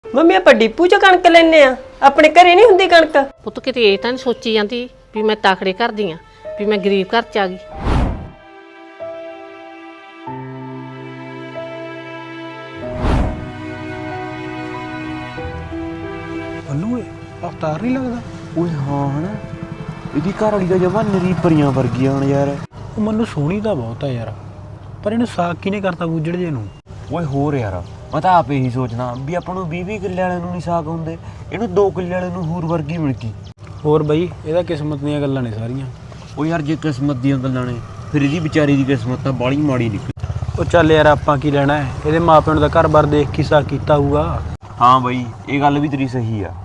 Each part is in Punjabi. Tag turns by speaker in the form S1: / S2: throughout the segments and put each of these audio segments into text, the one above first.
S1: ਮੰਮੀ ਆਪਾਂ ਡਿਪੂ ਚ ਕਣਕ ਲੈਣੇ ਆ, ਆਪਣੇ ਘਰੇ ਨਹੀਂ ਹੁੰਦੀ ਕਣਕ।
S2: ਪੁੱਤ ਕਿਤੇ ਇਹ ਤਾਂ ਨਹੀਂ ਸੋਚੀ ਜਾਂਦੀ ਵੀ ਮੈਂ ਤਾਕੜੇ ਘਰ ਦੀ ਆ, ਵੀ ਮੈਂ ਗਰੀਬ ਘਰ ਚ ਆ ਗਈ।
S3: ਬੱਲੂ ਏ ਅਵਤਾਰ ਨਹੀਂ ਲੱਗਦਾ?
S4: ਓਏ ਹਾਂ ਹਨਾ, ਇਹਦੀ ਘਰ ਵਾਲੀ ਦਾ ਜਮਾ ਨਰੀ ਪਰੀਆਂ ਵਰਗੀਆਂ ਹਨ ਯਾਰ।
S3: ਉਹ ਮੈਨੂੰ ਸੋਹਣੀ ਤਾਂ ਬਹੁਤ ਆ ਯਾਰ, ਪਰ ਇਹਨੂੰ ਸਾਕ ਕਿਹਨੇ ਕਰਤਾ ਗੁੱਜੜ ਜੇ ਨੂੰ?
S4: ਓਏ ਹੋਰ ਯਾਰ, ਮੈਂ ਤਾਂ ਆਪ ਇਹੀ ਸੋਚਦਾ ਵੀ ਆਪਾਂ ਨੂੰ 20-20 ਕਿੱਲੇ ਵਾਲਿਆਂ ਨੂੰ ਨਹੀਂ ਸਾਕ ਹੁੰਦੇ, ਇਹਨੂੰ 2 ਕਿੱਲੇ ਵਾਲੇ ਨੂੰ ਹੋਰ ਵਰਗੀ ਮਿਲ ਗਈ।
S3: ਹੋਰ ਬਈ ਇਹਦਾ ਕਿਸਮਤ ਦੀਆਂ ਗੱਲਾਂ ਨੇ ਸਾਰੀਆਂ।
S4: ਓ ਯਾਰ ਜੇ ਕਿਸਮਤ ਦੀਆਂ ਗੱਲਾਂ ਨੇ ਫਿਰ ਇਹਦੀ ਵਿਚਾਰੀ ਦੀ ਕਿਸਮਤ ਤਾਂ ਬਾਹਲੀ ਮਾੜੀ ਨਿਕਲੀ।
S3: ਉਹ ਚੱਲ ਯਾਰ ਆਪਾਂ ਕੀ ਲੈਣਾ ਹੈ, ਇਹਦੇ ਮਾਪਿਆਂ ਨੂੰ ਤਾਂ ਘਰ-ਬਾਰ ਦੇਖ ਕੇ ਸਾਕ ਕੀਤਾ ਹੋਊਗਾ।
S4: ਹਾਂ ਬਈ ਇਹ ਗੱਲ ਵੀ ਤੇਰੀ ਸਹੀ ਆ।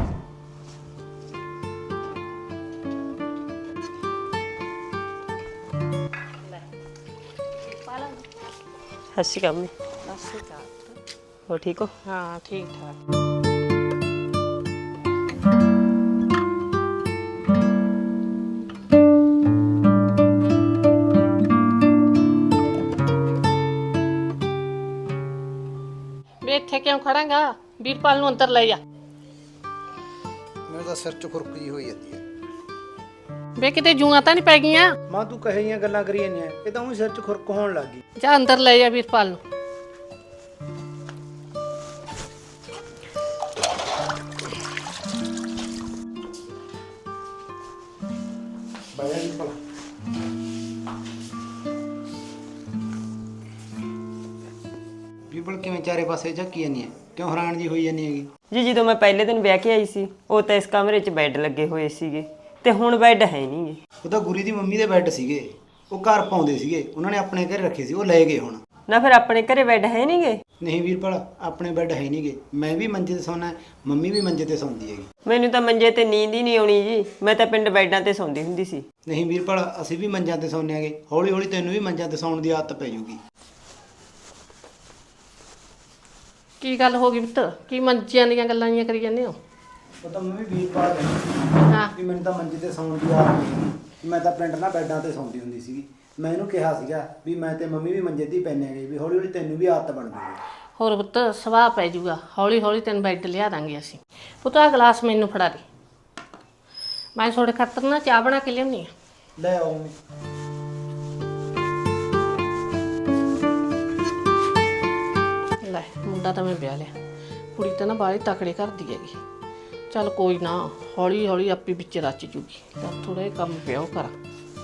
S1: ਸਤਿ ਸ਼੍ਰੀ ਅਕਾਲ ਮੰਮੀ। ਹੋ ਠੀਕ ਹੋ?
S2: ਹਾਂ ਠੀਕ ਠਾਕ। ਵੇ ਇੱਥੇ ਕਿਉਂ ਖੜਾਂਗਾ? ਵੀਰਪਾਲ ਨੂੰ ਅੰਦਰ ਲੈ ਜਾ।
S5: ਮੇਰੇ ਤਾਂ ਸਿਰ 'ਚ ਖੁਰਕ ਜੀ ਹੋਈ ਜਾਂਦੀ ਹੈ।
S2: ਵੇ ਕਿਤੇ ਜੂਆਂ ਤਾਂ ਨਹੀਂ ਪੈ ਗਈਆਂ?
S5: ਮਾਂ ਤੂੰ ਕਹੇ ਜੀਆਂ ਗੱਲਾਂ ਕਰੀ ਜਾਂਦੀਆਂ, ਇਹ ਤਾਂ ਉਹੀ ਸਿਰ 'ਚ ਖੁਰਕ ਹੋਣ ਲੱਗ ਗਈ।
S2: ਜਾ ਅੰਦਰ ਲੈ ਜਾ ਵੀਰਪਾਲ ਨੂੰ।
S5: ਬਾਇਆ ਨਹੀਂ ਭਲਾ ਬੀਬਲ ਕਿਵੇਂ ਚਾਰੇ ਪਾਸੇ ਝੱਕੀ ਜਾਂਦੀ ਹੈ, ਕਿਉਂ ਹੈਰਾਨ ਜੀ ਹੋਈ ਜਾਂਦੀ ਹੈਗੀ?
S1: ਜੀ ਜਦੋਂ ਮੈਂ ਪਹਿਲੇ ਦਿਨ ਵਿਆਹ ਕੇ ਆਈ ਸੀ ਉਹ ਤਾਂ ਇਸ ਕਮਰੇ 'ਚ ਬੈੱਡ ਲੱਗੇ ਹੋਏ ਸੀਗੇ ਤੇ ਹੁਣ ਬੈੱਡ ਹੈ ਨਹੀਂਗੇ।
S5: ਉਹ ਤਾਂ ਗੁਰੀ ਦੀ ਮੰਮੀ ਦੇ ਬੈੱਡ ਸੀਗੇ, ਉਹ ਘਰ ਪਾਉਂਦੇ ਸੀਗੇ, ਉਹਨਾਂ ਨੇ ਆਪਣੇ ਘਰੇ ਰੱਖੇ ਸੀ, ਉਹ ਲੈ ਗਏ ਹੁਣ।
S1: ਨਾ ਫਿਰ ਆਪਣੇ ਘਰੇ ਬੈੱਡ ਹੈ ਨਹੀਂਗੇ?
S5: ਨਹੀਂ ਵੀਰਪਾਲ, ਆਪਣੇ ਬੈੱਡ ਹੈ ਨਹੀਂਗੇ। ਮੈਂ ਵੀ ਮੰਜੇ ਤੇ ਸੌਣਾ, ਮੰਮੀ ਵੀ ਮੰਜੇ ਤੇ ਸੌਂਦੀ ਹੈਗੀ।
S1: ਮੈਨੂੰ ਤਾਂ ਮੰਜੇ ਤੇ ਨੀਂਦ ਹੀ ਨਹੀਂ ਆਉਣੀ ਜੀ, ਮੈਂ ਤਾਂ ਪਿੰਡ ਬੈੱਡਾਂ ਤੇ ਸੌਂਦੀ ਹੁੰਦੀ ਸੀ।
S5: ਨਹੀਂ ਵੀਰਪਾਲ, ਅਸੀਂ ਵੀ ਮੰਜਾਂ ਤੇ ਸੌਂਦੇ ਆਂਗੇ, ਹੌਲੀ ਹੌਲੀ ਤੈਨੂੰ ਵੀ ਮੰਜਾਂ ਤੇ ਸੌਣ ਦੀ ਆਦਤ ਪੈ ਜਾਊਗੀ।
S2: ਕੀ ਗੱਲ ਹੋ ਗਈ ਪੁੱਤ? ਕੀ ਮੰਜਿਆਂ ਦੀਆਂ ਗੱਲਾਂ ਜੀਆਂ ਕਰੀ ਜਾਂਦੇ ਹੋ?
S5: ਉਹ ਤਾਂ ਮੈਂ ਵੀ ਵੀਰਪਾਲ ਕਹਿੰਦੀ
S2: ਹਾਂ
S5: ਵੀ ਮੈਨੂੰ ਤਾਂ ਮੰਜੇ ਤੇ ਸੌਣ ਦੀ ਆਦਤ ਨਹੀਂ, ਮੈਂ ਤਾਂ ਪਿੰਡ ਨਾਲ ਬੈੱਡਾਂ ਤੇ ਸੌਂਦੀ ਹੁੰਦੀ ਸੀਗੀ। ਮੈਂ ਇਹਨੂੰ ਕਿਹਾ ਸੀਗਾ ਵੀ ਮੈਂ ਤੇ ਮੰਮੀ ਵੀ ਮੰਜੇ ਤੇ ਹੀ ਪੈਂਦੇ ਆਂਗੇ, ਵੀ ਹੌਲੀ ਹੌਲੀ ਤੈਨੂੰ ਵੀ ਆਦਤ ਬਣ ਜੂਗੀ।
S2: ਹੋਰ ਪੁੱਤ ਸੁਭਾਅ ਪੈ ਜਾਊਗਾ, ਹੌਲੀ ਹੌਲੀ ਤੈਨੂੰ ਬੈੱਡ ਲਿਆ ਦਾਂਗੇ ਅਸੀਂ। ਪੁੱਤ ਆਹ ਗਲਾਸ ਮੈਨੂੰ ਫੜਾ ਦੇ, ਮੈਂ ਤੁਹਾਡੇ ਖਾਤਰ ਨਾ ਚਾਹ ਬਣਾ ਕੇ ਲਿਆਉਣੀ ਆ।
S5: ਲੈ ਆਓ ਮੰਮੀ।
S2: ਲੈ ਮੁੰਡਾ ਤਾਂ ਮੈਂ ਵਿਆਹ ਲਿਆ, ਕੁੜੀ ਤਾਂ ਨਾ ਬਾਹਲੀ ਤਕੜੇ ਕਰਦੀ ਹੈਗੀ। ਚੱਲ ਕੋਈ ਨਾ, ਹੌਲੀ ਹੌਲੀ ਆਪੇ ਵਿੱਚ ਰਚ ਜੂਗੀ। ਤਾਂ ਥੋੜਾ ਜਿਹਾ ਕੰਮ ਪਿਆ ਉਹ ਕਰਾਂ।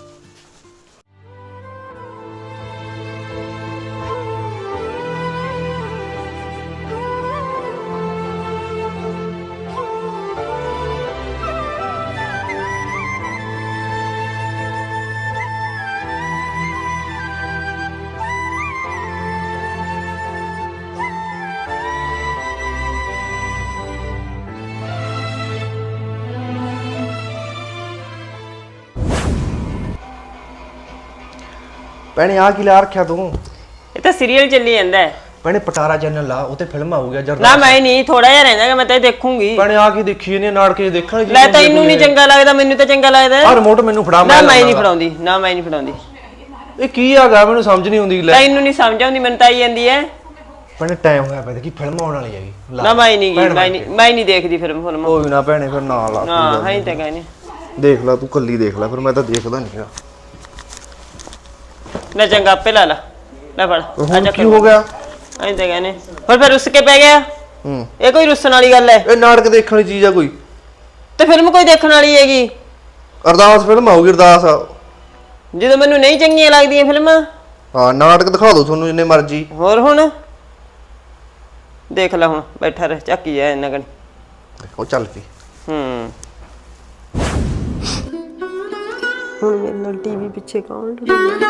S6: ਭੈਣੇ ਆ ਕੀ ਲਾ ਰੱਖਿਆ ਤੂੰ?
S1: ਇਹ ਤਾਂ ਸੀਰੀਅਲ ਚੱਲੀ ਜਾਂਦਾ ਹੈ।
S6: ਭੈਣੇ ਪਟਾਰਾ ਚੈਨਲ ਲਾ, ਉਹ ਤੇ ਫਿਲਮ ਆਊਗਾ ਜਰਦਾ।
S1: ਨਾ ਮੈਂ ਨਹੀਂ, ਥੋੜਾ ਜਿਹਾ ਰਹਿੰਦਾ ਮੈਂ ਤਾਂ ਇਹ ਦੇਖੂੰਗੀ।
S6: ਭੈਣੇ ਆ ਕੀ ਦੇਖੀ ਇਹਨੇ ਨਾਟਕ ਜੇ ਦੇਖਣ
S1: ਲੈ ਤੈਨੂੰ ਨਹੀਂ ਚੰਗਾ ਲੱਗਦਾ, ਮੈਨੂੰ ਤਾਂ ਚੰਗਾ ਲੱਗਦਾ।
S6: ਆ ਰਿਮੋਟ ਮੈਨੂੰ ਫੜਾ।
S1: ਨਾ ਮੈਂ ਨਹੀਂ ਫੜਾਉਂਦੀ, ਨਾ ਮੈਂ ਨਹੀਂ ਫੜਾਉਂਦੀ।
S6: ਇਹ ਕੀ ਹੈਗਾ ਮੈਨੂੰ ਸਮਝ ਨਹੀਂ ਆਉਂਦੀ। ਲੈ
S1: ਤੈਨੂੰ ਨਹੀਂ ਸਮਝ ਆਉਂਦੀ, ਮੈਨੂੰ ਤਾਂ ਆਈ ਜਾਂਦੀ ਹੈ।
S6: ਭੈਣੇ ਟਾਈਮ ਹੋਇਆ ਪਿਆ, ਦੇਖੀ ਫਿਲਮ ਆਉਣ ਵਾਲੀ ਹੈਗੀ।
S1: ਨਾ ਮੈਂ ਨਹੀਂ ਗਈ, ਮੈਂ ਨਹੀਂ ਦੇਖਦੀ ਫਿਲਮ।
S6: ਕੋਈ ਨਾ ਭੈਣੇ ਫਿਰ ਨਾ ਲਾ।
S1: ਹਾਂ ਹੈ ਤਾਂ ਕਹਿੰਦੇ
S6: ਦੇਖ ਲੈ ਤੂੰ ਕੱਲੀ ਦੇਖ ਲੈ, ਫਿਰ ਮੈਂ ਤਾਂ ਦੇਖਦਾ ਨਹੀਂ।
S1: ਨਾ ਚੰਗਾ ਆਪੇ ਲਾ ਲਾ। ਲੈ ਫੜ।
S6: ਹੁਣ ਕੀ ਹੋ ਗਿਆ?
S1: ਐਂ ਤਾਂ ਕਹਿੰਦੇ ਫਿਰ ਰੁੱਸ ਕੇ ਪੈ ਗਿਆ। ਇਹ ਕੋਈ ਰੁੱਸਣ ਵਾਲੀ ਗੱਲ ਹੈ?
S6: ਇਹ ਨਾਟਕ ਦੇਖਣ ਦੀ ਚੀਜ਼ ਆ ਕੋਈ?
S1: ਤੇ ਫਿਲਮ ਕੋਈ ਦੇਖਣ ਵਾਲੀ ਹੈਗੀ?
S6: ਅਰਦਾਸ ਫਿਲਮ ਆਊਗੀ, ਅਰਦਾਸ।
S1: ਜਦੋਂ ਮੈਨੂੰ ਨਹੀਂ ਚੰਗੀਆਂ ਲੱਗਦੀਆਂ ਫਿਲਮਾਂ।
S6: ਹਾਂ ਨਾਟਕ ਦਿਖਾ ਦੋ ਤੁਹਾਨੂੰ ਜਿੰਨੇ ਮਰਜ਼ੀ।
S1: ਹੋਰ ਹੁਣ ਦੇਖ ਲੈ, ਹੁਣ ਬੈਠਾ ਰਹਿ, ਝਾਕੀ ਜਾ ਇਹਨਾਂ ਕਣ।
S6: ਉਹ ਚੱਲ ਪਈ।
S1: ਹੁਣ ਮੇਰੇ ਨਾਲ ਟੀਵੀ ਪਿੱਛੇ ਕੌਣ ਲੜੂਗਾ?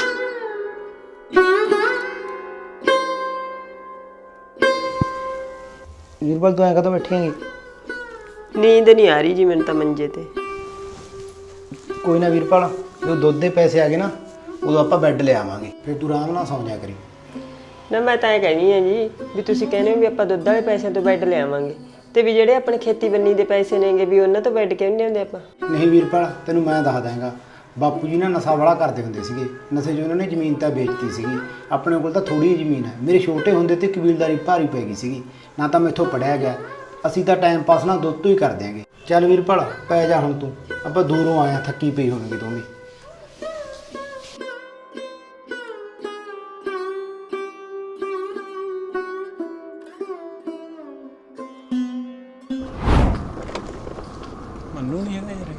S5: ਵੀਰਪਾਲ ਤੂੰ ਐਂ ਕਦੋਂ ਬੈਠੇਂਗੀ?
S1: ਨੀਂਦ ਨਹੀਂ ਆ ਰਹੀ ਜੀ ਮੈਨੂੰ ਤਾਂ ਮੰਜੇ ਤੇ।
S5: ਕੋਈ ਨਾ ਵੀਰਪਾਲ, ਜਦੋਂ ਦੁੱਧ ਦੇ ਪੈਸੇ ਆ ਗਏ ਨਾ ਉਦੋਂ ਆਪਾਂ ਬੈੱਡ ਲੈ ਆਵਾਂਗੇ, ਫਿਰ ਤੂੰ ਆਰਾਮ ਨਾਲ ਸੌਂ ਜਾ ਕਰੀ।
S1: ਨਾ ਮੈਂ ਤਾਂ ਇਹ ਕਹਿਣੀ ਹੈ ਜੀ ਵੀ ਤੁਸੀਂ ਕਹਿੰਦੇ ਹੋ ਵੀ ਆਪਾਂ ਦੁੱਧ ਵਾਲੇ ਪੈਸਿਆਂ ਤੋਂ ਬੈੱਡ ਲੈ ਆਵਾਂਗੇ, ਤੇ ਵੀ ਜਿਹੜੇ ਆਪਣੇ ਖੇਤੀ ਬੰਨੀ ਦੇ ਪੈਸੇ ਨੇਗੇ ਵੀ ਉਹਨਾਂ ਤੋਂ ਬੈੱਡ ਕਿਉਂ ਨਹੀਂ ਲਿਆਉਂਦੇ ਆਪਾਂ?
S5: ਨਹੀਂ ਵੀਰਪਾਲ, ਤੈਨੂੰ ਮੈਂ ਦੱਸ ਦਾਂਗਾ। ਬਾਪੂ ਜੀ ਨਾ ਨਸ਼ਾ ਵਾਲਾ ਕਰਦੇ ਹੁੰਦੇ ਸੀਗੇ, ਨਸ਼ੇ 'ਚ ਉਹਨਾਂ ਨੇ ਜ਼ਮੀਨ ਤਾਂ ਵੇਚਤੀ ਸੀਗੀ। ਆਪਣੇ ਕੋਲ ਤਾਂ ਥੋੜੀ ਜਿਹੀ ਜ਼ਮੀਨ ਹੈ। ਮੇਰੇ ਛੋਟੇ ਹੁੰਦੇ ਤੇ ਕਬੀਲਦਾਰੀ ਭਾਰੀ ਪੈ ਗਈ ਸੀਗੀ, ਨਾ ਤਾਂ ਮੈਥੋਂ ਪੜਿਆ ਗਿਆ। ਅਸੀਂ ਤਾਂ ਟਾਈਮ ਪਾਸ ਨਾ ਦੁੱਧ ਤੋਂ ਹੀ ਕਰ ਦਿਆਂਗੇ। ਚੱਲ ਵੀਰਪਾਲ ਪੈ ਜਾ ਹੁਣ ਤੂੰ, ਆਪਾਂ ਦੂਰੋਂ ਆਇਆ, ਥੱਕੀ ਪਈ ਹੋਵੇਂਗੀ ਤੂੰ ਵੀ।
S3: ਮੰਨੂ ਨਹੀਂ ਹੈਗਾ ਯਾਰ।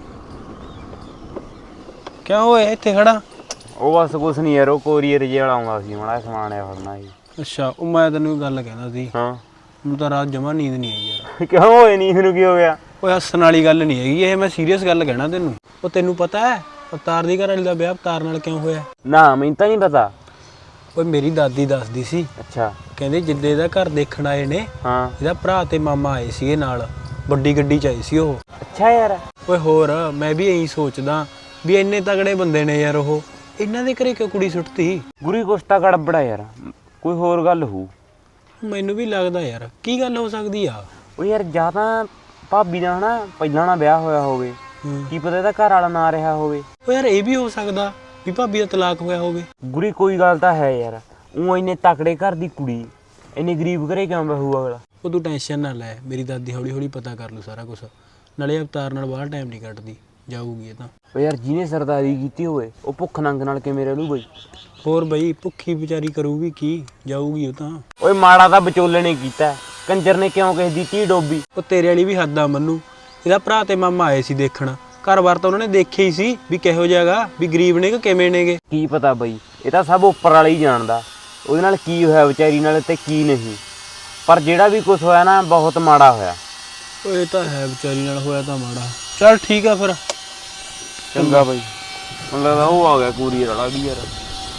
S3: ਕਿਉਂ ਹੋਇਆ ਇੱਥੇ ਖੜਾ?
S4: ਉਹ ਬਸ ਕੁਛ ਨਹੀਂ ਯਾਰ, ਉਹ ਕੋਰੀਅਰ ਜੇ ਵਾਲਾ ਆਉਂਦਾ ਸੀ, ਮਾੜਾ ਸਮਾਨ ਆਇਆ ਫੜਨਾ ਸੀ।
S3: ਅੱਛਾ, ਉਹ ਮੈਂ ਤੈਨੂੰ ਗੱਲ ਕਹਿੰਦਾ ਸੀ,
S4: ਹਾਂ
S3: ਮੈਨੂੰ ਤਾਂ ਰਾਤ ਜਮਾ ਨੀਂਦ ਨਹੀਂ ਆਈ ਯਾਰ।
S4: ਕਿਉਂ ਹੋਏ ਨਹੀਂ, ਇਹਨੂੰ ਕੀ ਹੋ ਗਿਆ?
S3: ਓਏ ਹੱਸਣ ਵਾਲੀ ਗੱਲ ਨਹੀਂ ਹੈਗੀ ਇਹ, ਮੈਂ ਸੀਰੀਅਸ ਗੱਲ ਕਹਿਣਾ ਤੈਨੂੰ। ਉਹ ਤੈਨੂੰ ਪਤਾ ਹੈ ਅਵਤਾਰ ਦੀ ਘਰ ਵਾਲੀ ਦਾ ਵਿਆਹ ਅਵਤਾਰ ਨਾਲ ਕਿਉਂ ਹੋਇਆ?
S4: ਨਾ ਮੈਨੂੰ ਤਾਂ ਨਹੀਂ ਪਤਾ।
S3: ਓਏ ਮੇਰੀ ਦਾਦੀ ਦੱਸਦੀ ਸੀ,
S4: ਅੱਛਾ
S3: ਕਹਿੰਦੇ ਜਿੱਦੇ ਦਾ ਘਰ ਦੇਖਣ ਆਏ ਨੇ,
S4: ਹਾਂ
S3: ਇਹਦਾ ਭਰਾ ਤੇ ਮਾਮਾ ਆਏ ਸੀਗੇ ਨਾਲ, ਵੱਡੀ ਗੱਡੀ 'ਚ ਆਏ ਸੀ ਉਹ।
S4: ਅੱਛਾ ਯਾਰ,
S3: ਓਏ ਹੋਰ ਮੈਂ ਵੀ ਇਹੀ ਸੋਚਦਾ ਵੀ ਇੰਨੇ ਤਗੜੇ ਬੰਦੇ ਨੇ ਯਾਰ ਉਹ, ਇਹਨਾਂ ਦੇ ਘਰੇ ਕਿਉਂ ਕੁੜੀ ਸੁੱਟਤੀ?
S4: ਗੁਰੀ ਕੁਸ਼ਤਾ ਗੜਬੜਾ ਯਾਰ, ਕੋਈ ਹੋਰ ਗੱਲ ਹੋਊ।
S3: ਮੈਨੂੰ ਵੀ ਲੱਗਦਾ ਯਾਰ, ਕੀ ਗੱਲ ਹੋ ਸਕਦੀ ਆ?
S4: ਉਹ ਯਾਰ ਜਾਂ ਤਾਂ ਭਾਬੀ ਦਾ ਹਨਾ ਪਹਿਲਾਂ ਨਾ ਵਿਆਹ ਹੋਇਆ ਹੋਵੇ, ਕੀ ਪਤਾ ਇਹਦਾ ਘਰ ਵਾਲਾ ਨਾ ਰਿਹਾ ਹੋਵੇ।
S3: ਓ ਯਾਰ ਇਹ ਵੀ ਹੋ ਸਕਦਾ ਵੀ ਭਾਬੀ ਦਾ ਤਲਾਕ ਹੋਇਆ ਹੋਵੇ।
S4: ਗੁਰੀ ਕੋਈ ਗੱਲ ਤਾਂ ਹੈ ਯਾਰ, ਉਹ ਇੰਨੇ ਤਕੜੇ ਘਰ ਦੀ ਕੁੜੀ ਇੰਨੇ ਗਰੀਬ ਘਰੇ ਕਿਉਂ ਬਹੂ ਅਗਲਾ?
S3: ਉਹ ਤੂੰ ਟੈਨਸ਼ਨ ਨਾ ਲੈ, ਮੇਰੀ ਦਾਦੀ ਹੌਲੀ ਹੌਲੀ ਪਤਾ ਕਰ ਲੂ ਸਾਰਾ ਕੁਝ। ਨਾਲੇ ਅਵਤਾਰ ਨਾਲ ਬਾਹਰ ਟਾਈਮ ਨਹੀਂ ਕੱਟਦੀ, ਜਾਊਗੀ ਇਹ ਤਾਂ।
S4: ਉਹ ਯਾਰ ਜਿਹਨੇ ਸਰਦਾਰੀ ਕੀਤੀ ਹੋਵੇ ਉਹ ਭੁੱਖ ਨੰਗ ਨਾਲ ਕਿਵੇਂ ਰਹਿ ਲੂ ਬਈ?
S3: ਹੋਰ ਬਈ ਭੁੱਖੀ ਵਿਚਾਰੀ ਕਰੂਗੀ ਕੀ, ਜਾਊਗੀ ਉਹ ਤਾਂ।
S4: ਓਏ ਮਾੜਾ ਤਾਂ ਵਿਚੋਲੇ ਨੇ ਕੀਤਾ, ਕੰਜਰ ਨੇ ਕਿਉਂ ਕਿਸੇ ਦੀ ਧੀ ਡੋਬੀ?
S3: ਉਹ ਤੇਰੇ ਵਾਲੀ ਵੀ ਹੱਦ ਆ ਮੰਨੂ, ਇਹਦਾ ਭਰਾ ਤੇ ਮਾਮਾ ਆਏ ਸੀ ਦੇਖਣ, ਘਰ-ਬਾਰ ਤਾਂ ਉਹਨਾਂ ਨੇ ਦੇਖਿਆ ਹੀ ਸੀ ਵੀ ਕਿਹੋ ਜਿਹਾ ਗਾ, ਵੀ ਗਰੀਬ ਨੇ ਕਿ ਕਿਵੇਂ ਨੇਗੇ।
S4: ਕੀ ਪਤਾ ਬਈ, ਇਹ ਤਾਂ ਸਭ ਉੱਪਰ ਵਾਲਾ ਹੀ ਜਾਣਦਾ ਉਹਦੇ ਨਾਲ ਕੀ ਹੋਇਆ ਵਿਚਾਰੀ ਨਾਲ ਤੇ ਕੀ ਨਹੀਂ, ਪਰ ਜਿਹੜਾ ਵੀ ਕੁਝ ਹੋਇਆ ਨਾ ਬਹੁਤ ਮਾੜਾ ਹੋਇਆ।
S3: ਉਹ ਇਹ ਤਾਂ ਹੈ, ਵਿਚਾਰੀ ਨਾਲ ਹੋਇਆ ਤਾਂ ਮਾੜਾ। ਚੱਲ ਠੀਕ ਆ ਫਿਰ,
S4: ਚੰਗਾ ਬਈ। ਮੈਨੂੰ ਲੱਗਦਾ ਉਹ ਆ ਗਿਆ ਕੋਰੀਅਰ ਵਾਲਾ ਵੀ ਯਾਰ।